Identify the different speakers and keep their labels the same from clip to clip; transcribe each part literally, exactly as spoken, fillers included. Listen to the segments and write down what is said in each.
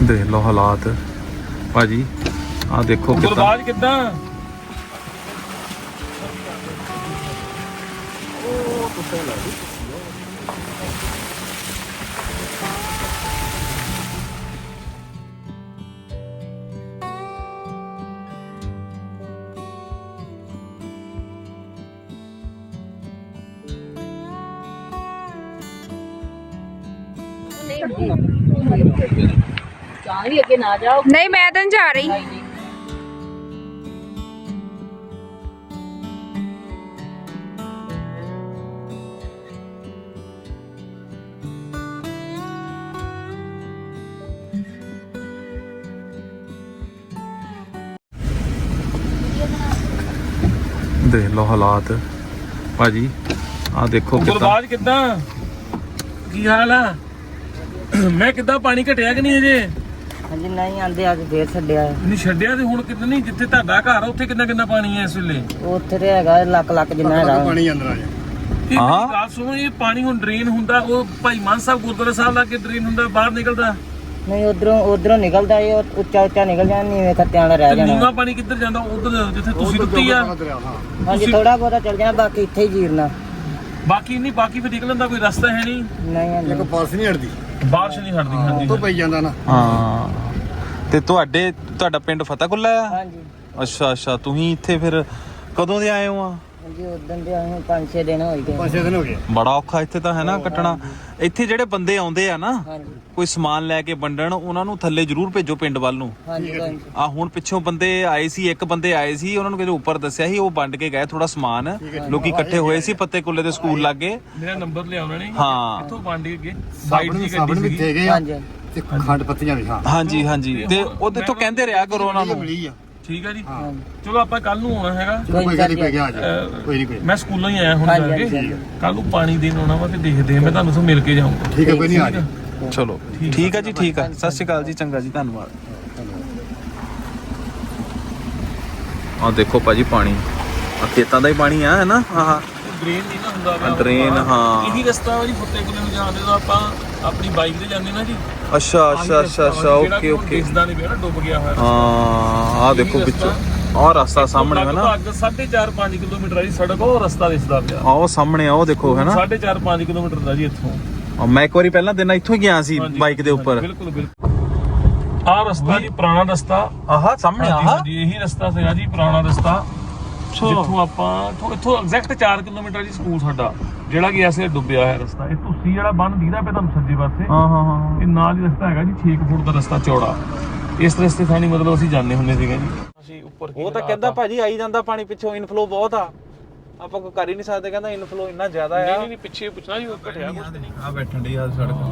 Speaker 1: देख लो हालात भाजी, आ देखो
Speaker 2: गुरबाज कितना
Speaker 3: नहीं मैं तो नहीं जा रही।
Speaker 1: देख लो हालात भाजी, आ देखो
Speaker 2: गुरबाज कितना की हाल है? मैं कितना पानी घटिया कि नहीं अजे?
Speaker 4: ਹਾਂਜੀ ਨਹੀਂ ਆਂਦੇ ਅੱਜ ਫੇਰ ਛੱਡਿਆ
Speaker 2: ਨਹੀਂ ਛੱਡਿਆ ਤੇ ਹੁਣ ਕਿੰਨਾ ਨਹੀਂ, ਜਿੱਥੇ ਤੁਹਾਡਾ ਘਰ ਆ ਉੱਥੇ ਕਿੰਨਾ ਕਿੰਨਾ ਪਾਣੀ ਹੈ ਇਸ ਵੇਲੇ?
Speaker 4: ਉੱਥੇ ਤੇ ਹੈਗਾ ਲੱਖ ਲੱਖ ਜਿੰਨਾ ਹੈਗਾ ਪਾਣੀ ਅੰਦਰ ਆ ਜਾ।
Speaker 2: ਇਹ ਮੇਰੀ ਗੱਲ ਸੁਣੋ, ਇਹ ਪਾਣੀ ਹੁਣ ਡਰੇਨ ਹੁੰਦਾ, ਉਹ ਭਾਈ ਮਾਨ ਸਾਹਿਬ ਗੁਰਦੁਆਰਾ ਸਾਹਿਬ ਲਾ ਕੇ ਡਰੇਨ ਹੁੰਦਾ, ਬਾਹਰ ਨਿਕਲਦਾ
Speaker 4: ਨਹੀਂ ਉਧਰੋਂ ਉਧਰੋਂ ਨਿਕਲਦਾ ਇਹ ਉੱਚਾ ਉੱਚਾ ਨਿਕਲ ਜਾਂਦਾ, ਨੀਵੇਂ ਖੱਤਿਆਂ ਵਾਲਾ ਰਹਿ ਜਾਣਾ।
Speaker 2: ਨੀਵਾਂ ਪਾਣੀ ਕਿੱਧਰ ਜਾਂਦਾ? ਉਧਰ ਜਿੱਥੇ ਤੁਸੀਂ ਕੁੱਤੀ ਆ।
Speaker 4: ਹਾਂਜੀ ਥੋੜਾ ਬਹੁਤਾ ਚੱਲ ਜਾਣਾ, ਬਾਕੀ ਇੱਥੇ ਹੀ ਜੀਰਨਾ।
Speaker 2: ਬਾਕੀ ਨਹੀਂ, ਬਾਕੀ ਫਿਰ ਨਿਕਲਣ ਦਾ ਕੋਈ ਰਸਤਾ ਹੈ ਨਹੀਂ।
Speaker 4: ਨਹੀਂ ਹਾਂਜੀ
Speaker 5: ਇੱਕ ਬਾਰਿਸ਼ ਨਹੀਂ ਹਟਦੀ,
Speaker 2: ਬਾਰਿਸ਼ ਨਹੀਂ ਹਟਦੀ। ਹਾਂਜੀ
Speaker 5: ਤੋਂ ਪਈ ਜਾਂਦਾ ਨਾ।
Speaker 1: ਹਾਂ ਤੇ ਤੁਹਾਡੇ ਤੁਹਾਡਾ ਪਿੰਡ ਫਤਿਹਕੁੱਲਾ ਆ?
Speaker 4: ਹਾਂਜੀ
Speaker 1: ਅੱਛਾ ਅੱਛਾ, ਤੁਸੀਂ ਇੱਥੇ ਫਿਰ ਕਦੋਂ ਦੇ ਆਏ ਹੋ ਆ?
Speaker 4: ਹਾਂਜੀ ਉਦੋਂ ਦੇ ਆਏ ਪੰਜ ਛੇ ਦਿਨ ਹੋ ਗਏ।
Speaker 5: ਪੰਜ ਛੇ ਦਿਨ ਹੋ ਗਏ।
Speaker 1: ਬੜਾ ਔਖਾ ਇੱਥੇ ਤਾਂ ਹੈ ਨਾ ਕੱਟਣਾ। ਇੱਥੇ ਜਿਹੜੇ ਬੰਦੇ ਆਉਂਦੇ ਆ ਨਾ
Speaker 4: ਹਾਂਜੀ
Speaker 1: ਕੋਈ ਸਮਾਨ ਲੈ ਕੇ ਵੰਡਣ, ਉਹਨਾਂ ਨੂੰ ਥੱਲੇ ਜ਼ਰੂਰ ਭੇਜੋ ਪਿੰਡ ਵੱਲ ਨੂੰ।
Speaker 4: ਹਾਂਜੀ ਹਾਂਜੀ
Speaker 1: ਆ ਹੁਣ ਪਿੱਛੋਂ ਬੰਦੇ ਆਏ ਸੀ, ਇੱਕ ਬੰਦੇ ਆਏ ਸੀ, ਉਹਨਾਂ ਨੂੰ ਕਿਤੇ ਉੱਪਰ ਦੱਸਿਆ ਸੀ, ਉਹ ਵੰਡ ਕੇ ਗਏ ਥੋੜਾ ਸਮਾਨ। ਲੋਕੀ ਇਕੱਠੇ ਹੋਏ ਸੀ ਫਤਿਹਕੁੱਲੇ ਦੇ ਸਕੂਲ ਲਾਗੇ।
Speaker 2: ਮੇਰਾ ਨੰਬਰ ਲਿਆ ਉਹਨਾਂ ਨੇ,
Speaker 1: ਹਾਂ
Speaker 2: ਇੱਥੋਂ ਵੰਡ ਕੇ ਗਏ। ਸਾਈਡ
Speaker 5: ਸਾਬਣ
Speaker 2: ਦੀ
Speaker 5: ਸਾਬਣ
Speaker 2: ਗੱਡੀ
Speaker 5: ਵੀ
Speaker 2: ਸੀ।
Speaker 5: ਦੇ ਗਏ ਆ
Speaker 4: ਹਾਂਜੀ
Speaker 5: ਤੇ ਖੰਡ ਪੱਤੀਆਂ ਵੀ। ਹਾਂ
Speaker 1: ਹਾਂਜੀ ਹਾਂਜੀ, ਤੇ ਉਹਦੇ ਤੋਂ ਕਹਿੰਦੇ ਰਿਹਾ ਕਰੋ ਉਹਨਾਂ ਨੂੰ।
Speaker 5: ਮਿਲੀ ਆ।
Speaker 2: ਠੀਕ ਹੈ ਜੀ,
Speaker 5: ਹਾਂ
Speaker 2: ਚਲੋ ਆਪਾਂ ਕੱਲ ਨੂੰ ਆਉਣਾ ਹੈਗਾ।
Speaker 5: ਕੋਈ ਗੱਲ ਨਹੀਂ, ਪੈ ਗਿਆ ਆ ਜਾ, ਕੋਈ ਨਹੀਂ ਕੋਈ।
Speaker 2: ਮੈਂ ਸਕੂਲੋਂ ਹੀ ਆਇਆ ਹੁਣ
Speaker 4: ਹਾਂਜੀ,
Speaker 2: ਜਾ ਕੇ।
Speaker 4: ਹਾਂਜੀ।
Speaker 2: ਕੱਲ ਨੂੰ ਪਾਣੀ ਦੇਣ ਆਉਣਾ ਵਾ ਤੇ ਦੇਖਦੇ ਆ, ਮੈਂ ਤੁਹਾਨੂੰ ਸਭ ਮਿਲ ਕੇ ਜਾਊਂਗਾ।
Speaker 5: ਠੀਕ ਹੈ, ਕੋਈ ਨਹੀਂ ਆ ਜਾ।
Speaker 1: ਚਲੋ ਠੀਕ ਆ ਜੀ, ਠੀਕ ਆ। ਸਤਿ ਸ਼੍ਰੀ ਅਕਾਲ ਜੀ, ਚੰਗਾ ਜੀ, ਧੰਨਵਾਦ। ਆ ਦੇਖੋ ਭਾਜੀ ਪਾਣੀ, ਆ ਖੇਤਾਂ ਦਾ ਹੀ ਪਾਣੀ ਆ, ਹੈ ਨਾ? ਆਹ
Speaker 2: ਡਰੇਨ ਨਹੀਂ ਨਾ ਹੁੰਦਾ ਵਾ।
Speaker 1: ਡਰੇਨ, ਹਾਂ।
Speaker 2: ਇਹੀ ਰਸਤਾ ਵਾ ਜੀ ਫਤਿਹਕੁੱਲੇ ਨੂੰ ਜਾਂਦੇ ਤਾਂ ਆਪਾਂ ਆਪਣੀ ਬਾਈਕ ਤੇ ਜਾਂਦੇ ਨਾ ਜੀ।
Speaker 1: ਅੱਛਾ ਅੱਛਾ ਅੱਛਾ ਅੱਛਾ, ਓਕੇ ਓਕੇ।
Speaker 2: ਦਿਸਦਾ ਨਹੀਂ ਪਿਆ ਨਾ, ਡੁੱਬ ਗਿਆ ਹੋਇਆ।
Speaker 1: ਹਾਂ ਆ ਦੇਖੋ ਵਿੱਚੋਂ ਆਹ ਰਸਤਾ ਸਾਹਮਣੇ ਹੈ ਨਾ।
Speaker 2: ਲਗਭਗ ਸਾਢੇ ਚਾਰ ਪੰਜ ਕਿਲੋਮੀਟਰ ਆ ਜੀ ਸੜਕ, ਉਹ ਰਸਤਾ ਦਿਸਦਾ ਪਿਆ।
Speaker 1: ਆਹ ਉਹ ਸਾਹਮਣੇ ਆ, ਉਹ ਦੇਖੋ ਹੈ ਨਾ।
Speaker 2: ਸਾਢੇ ਚਾਰ ਪੰਜ ਕਿਲੋਮੀਟਰ ਦਾ ਜੀ ਇੱਥੋਂ।
Speaker 1: ਆ ਮੈਂ ਇੱਕ ਵਾਰੀ ਪਹਿਲਾਂ ਦਿਨ ਇੱਥੋਂ ਹੀ ਗਿਆ ਸੀ ਬਾਈਕ ਦੇ ਉੱਪਰ।
Speaker 2: ਬਿਲਕੁਲ ਬਿਲਕੁਲ। ਆਹ ਰਸਤਾ ਜੀ ਪੁਰਾਣਾ ਰਸਤਾ।
Speaker 1: ਆਹ ਸਾਹਮਣੇ ਆਹ
Speaker 2: ਹਾਂਜੀ ਇਹੀ ਰਸਤਾ ਸੀਗਾ ਜੀ, ਪੁਰਾਣਾ ਰਸਤਾ। ਜਿੱਥੋਂ ਆਪਾਂ ਇੱਥੋਂ ਇੱਥੋਂ ਐਗਜ਼ੈਕਟ ਚਾਰ ਕਿਲੋਮੀਟਰ ਜੀ ਸਕੂਲ ਸਾਡਾ, ਜਿਹੜਾ ਕਿ ਐਸੇ ਡੁੱਬਿਆ ਹੋਇਆ ਰਸਤਾ। ਇਹ ਤੁਸੀਂ ਜਿਹੜਾ ਬੰਨ ਦੀਦਾ ਪਿਆ ਤੁਹਾਨੂੰ ਸੱਜੇ ਪਾਸੇ,
Speaker 1: ਹਾਂ ਹਾਂ ਹਾਂ,
Speaker 2: ਇਹ ਨਾਲ ਹੀ ਰਸਤਾ ਹੈਗਾ ਜੀ, ਛੇ ਫੁੱਟ ਦਾ ਰਸਤਾ ਚੌੜਾ। ਇਸ ਰਸਤੇ ਥਾਣੀ ਮਤਲਬ ਅਸੀਂ ਜਾਂਦੇ ਹੁੰਦੇ ਸੀਗੇ ਜੀ। ਅਸੀਂ ਉੱਪਰ
Speaker 1: ਉਹ ਤਾਂ ਕਹਿੰਦਾ ਭਾਜੀ ਆਈ ਜਾਂਦਾ ਪਾਣੀ ਪਿੱਛੋਂ, ਇਨਫਲੋ ਬਹੁਤ ਆ, ਆਪਾਂ ਕੋਈ ਕਰ ਹੀ ਨਹੀਂ ਸਕਦੇ। ਕਹਿੰਦਾ ਇਨਫਲੋ ਇੰਨਾ ਜ਼ਿਆਦਾ ਆ।
Speaker 2: ਨਹੀਂ ਨਹੀਂ ਪਿੱਛੇ ਪੁੱਛਣਾ ਜੀ, ਉਹ ਘਟਿਆ ਕੁਛ ਨਹੀਂ।
Speaker 1: ਆ ਬੈਠਣ ਦੀ ਆ ਸੜਕ।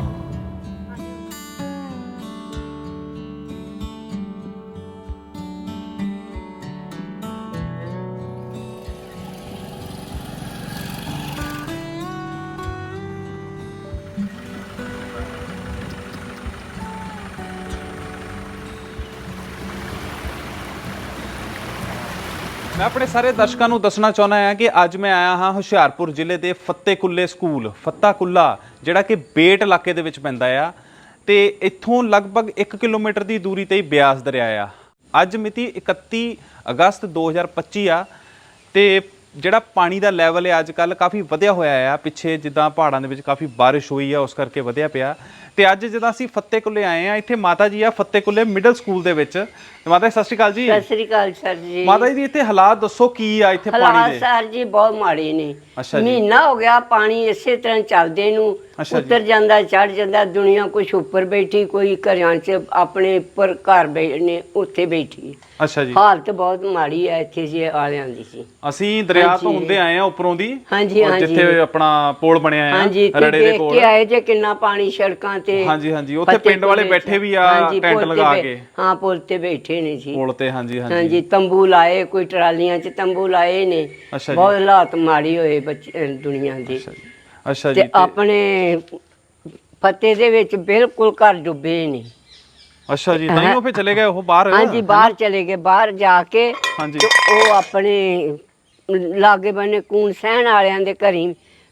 Speaker 1: ਮੈਂ ਆਪਣੇ ਸਾਰੇ ਦਰਸ਼ਕਾਂ ਨੂੰ ਦੱਸਣਾ ਚਾਹੁੰਦਾ ਹਾਂ ਕਿ ਅੱਜ ਮੈਂ ਆਇਆ ਹਾਂ ਹੁਸ਼ਿਆਰਪੁਰ ਜ਼ਿਲ੍ਹੇ ਦੇ ਫਤਿਹਕੁੱਲੇ ਸਕੂਲ, ਫੱਤਾਕੁੱਲਾ, ਜਿਹੜਾ ਕਿ ਬੇਟ ਇਲਾਕੇ ਦੇ ਵਿੱਚ ਪੈਂਦਾ ਆ ਤੇ ਇੱਥੋਂ ਲਗਭਗ ਇੱਕ ਕਿਲੋਮੀਟਰ ਦੀ ਦੂਰੀ ਤੇ ਹੀ ਬਿਆਸ ਦਰਿਆ ਆ। ਅੱਜ ਮਿਤੀ ਇਕੱਤੀ ਅਗਸਤ ਦੋ ਹਜ਼ਾਰ ਪੱਚੀ ਆ ਤੇ ਜਿਹੜਾ ਪਾਣੀ ਦਾ ਲੈਵਲ ਹੈ ਅੱਜ ਕੱਲ੍ਹ ਕਾਫੀ ਵਧਿਆ ਹੋਇਆ ਆ। ਪਿੱਛੇ ਜਿੱਦਾਂ ਪਹਾੜਾਂ ਦੇ ਵਿੱਚ ਕਾਫੀ ਬਾਰਿਸ਼ ਹੋਈ ਆ, ਉਸ ਕਰਕੇ ਵਧਿਆ ਪਿਆ। ਤੇ ਅੱਜ ਜਦੋਂ ਅਸੀਂ ਫਤਿਹਕੁੱਲੇ ਆਏ ਆ, ਇੱਥੇ ਮਾਤਾ ਜੀ ਆ ਫਤਿਹਕੁੱਲੇ ਮਿਡਲ ਸਕੂਲ ਦੇ ਵਿੱਚ। ਤੇ ਮਾਤਾ ਜੀ ਸਤਿ ਸ਼੍ਰੀ ਅਕਾਲ ਜੀ।
Speaker 6: ਸਤਿ ਸ੍ਰੀ ਅਕਾਲ ਸਰ ਜੀ।
Speaker 1: ਮਾਤਾ ਜੀ ਇੱਥੇ ਹਾਲਾਤ ਦੱਸੋ ਕੀ ਆ ਇੱਥੇ ਪਾਣੀ
Speaker 6: ਹਾਲਾਤ
Speaker 1: ਦੇ?
Speaker 6: ਸਰ ਜੀ ਬਹੁਤ ਮਾੜੇ ਨੇ।
Speaker 1: ਅੱਛਾ ਜੀ।
Speaker 6: ਮਹੀਨਾ ਹੋ ਗਿਆ ਪਾਣੀ ਇਸੇ ਤਰ੍ਹਾਂ ਚੱਲਦੇ ਨੂੰ,
Speaker 1: ਅੱਛਾ ਜੀ।
Speaker 6: ਉੱਤਰ ਜਾਂਦਾ ਚੜ ਜਾਂਦਾ। ਦੁਨੀਆ ਕੁਛ ਉੱਪਰ ਬੈਠੀ, ਕੋਈ ਘਰਾਂ 'ਚ ਆਪਣੇ ਉੱਪਰ ਘਰ ਬੈ ਨੇ ਉੱਥੇ ਬੈਠੀ।
Speaker 1: ਅੱਛਾ ਜੀ।
Speaker 6: ਹਾਲਤ ਬਹੁਤ ਮਾੜੀ ਹੈ ਇੱਥੇ ਜੀ ਆਲਿਆਂ ਦੀ ਸੀ।
Speaker 1: ਅਸੀਂ ਦਰਿਆ ਤੋਂ
Speaker 6: ਹਾਂਜੀ।
Speaker 1: ਹੁੰਦੇ ਆਏ ਆ ਉੱਪਰੋਂ ਦੀ,
Speaker 6: ਹਾਂਜੀ,
Speaker 1: ਔਰ
Speaker 6: ਹਾਂਜੀ।
Speaker 1: ਜਿੱਥੇ ਆਪਣਾ ਪੁਲ ਬਣਿਆ ਆ
Speaker 6: ਹਾਂਜੀ ਤੇ
Speaker 1: ਰੜੇ ਦੇ
Speaker 6: ਦੇਖ
Speaker 1: ਕੋਲ।
Speaker 6: ਕੇ ਆਏ ਜੇ ਕਿੰਨਾ ਪਾਣੀ ਸੜਕਾਂ ਤੇ।
Speaker 1: ਹਾਂਜੀ ਹਾਂਜੀ, ਉੱਥੇ ਪਿੰਡ ਵਾਲੇ ਬੈਠੇ ਵੀ ਆ
Speaker 6: ਹਾਂਜੀ,
Speaker 1: ਟੈਂਟ
Speaker 6: ਪੁਲ ਤੇ
Speaker 1: ਲਗਾ
Speaker 6: ਬੈ-
Speaker 1: ਕੇ।
Speaker 6: ਹਾਂ ਪੁਲ ਤੇ ਬੈਠੇ ਨੇ ਜੀ।
Speaker 1: ਪੁਲ ਤੇ ਹਾਂਜੀ ਹਾਂਜੀ।
Speaker 6: ਹਾਂਜੀ ਤੰਬੂ ਲਾਏ, ਕੋਈ ਟਰਾਲੀਆਂ 'ਚ ਤੰਬੂ ਲਾਏ ਨੇ।
Speaker 1: ਅੱਛਾ ਜੀ।
Speaker 6: ਬਹੁਤ ਹਾਲਾਤ ਮਾੜੀ ਹੋਏ ਬੱਚੇ ਦੁਨੀਆ ਦੀ।
Speaker 1: ਅੱਛਾ ਜੀ। ਅੱਛਾ ਜੀ।
Speaker 6: ਤੇ ਆਪਣੇ ਫਤਿਹ ਦੇ ਵਿੱਚ ਬਿਲਕੁਲ ਘਰ ਡੁੱਬੇ ਨੇ।
Speaker 1: ਅੱਛਾ ਜੀ, ਤਾਂ ਹੀ ਉਹ ਫੇ ਚਲੇ ਗਏ ਉਹ ਬਾਹਰ।
Speaker 6: ਹਾਂਜੀ ਬਾਹਰ ਚਲੇ ਗਏ, ਬਾਹਰ ਜਾ ਕੇ
Speaker 1: ਹਾਂਜੀ।
Speaker 6: ਤੇ ਉਹ ਆਪਣੇ ਲਾਗੇ ਬੰਨੇ ਕੂਣ ਸਹਿਣ ਵਾਲਿਆਂ ਦੇ ਘਰੀ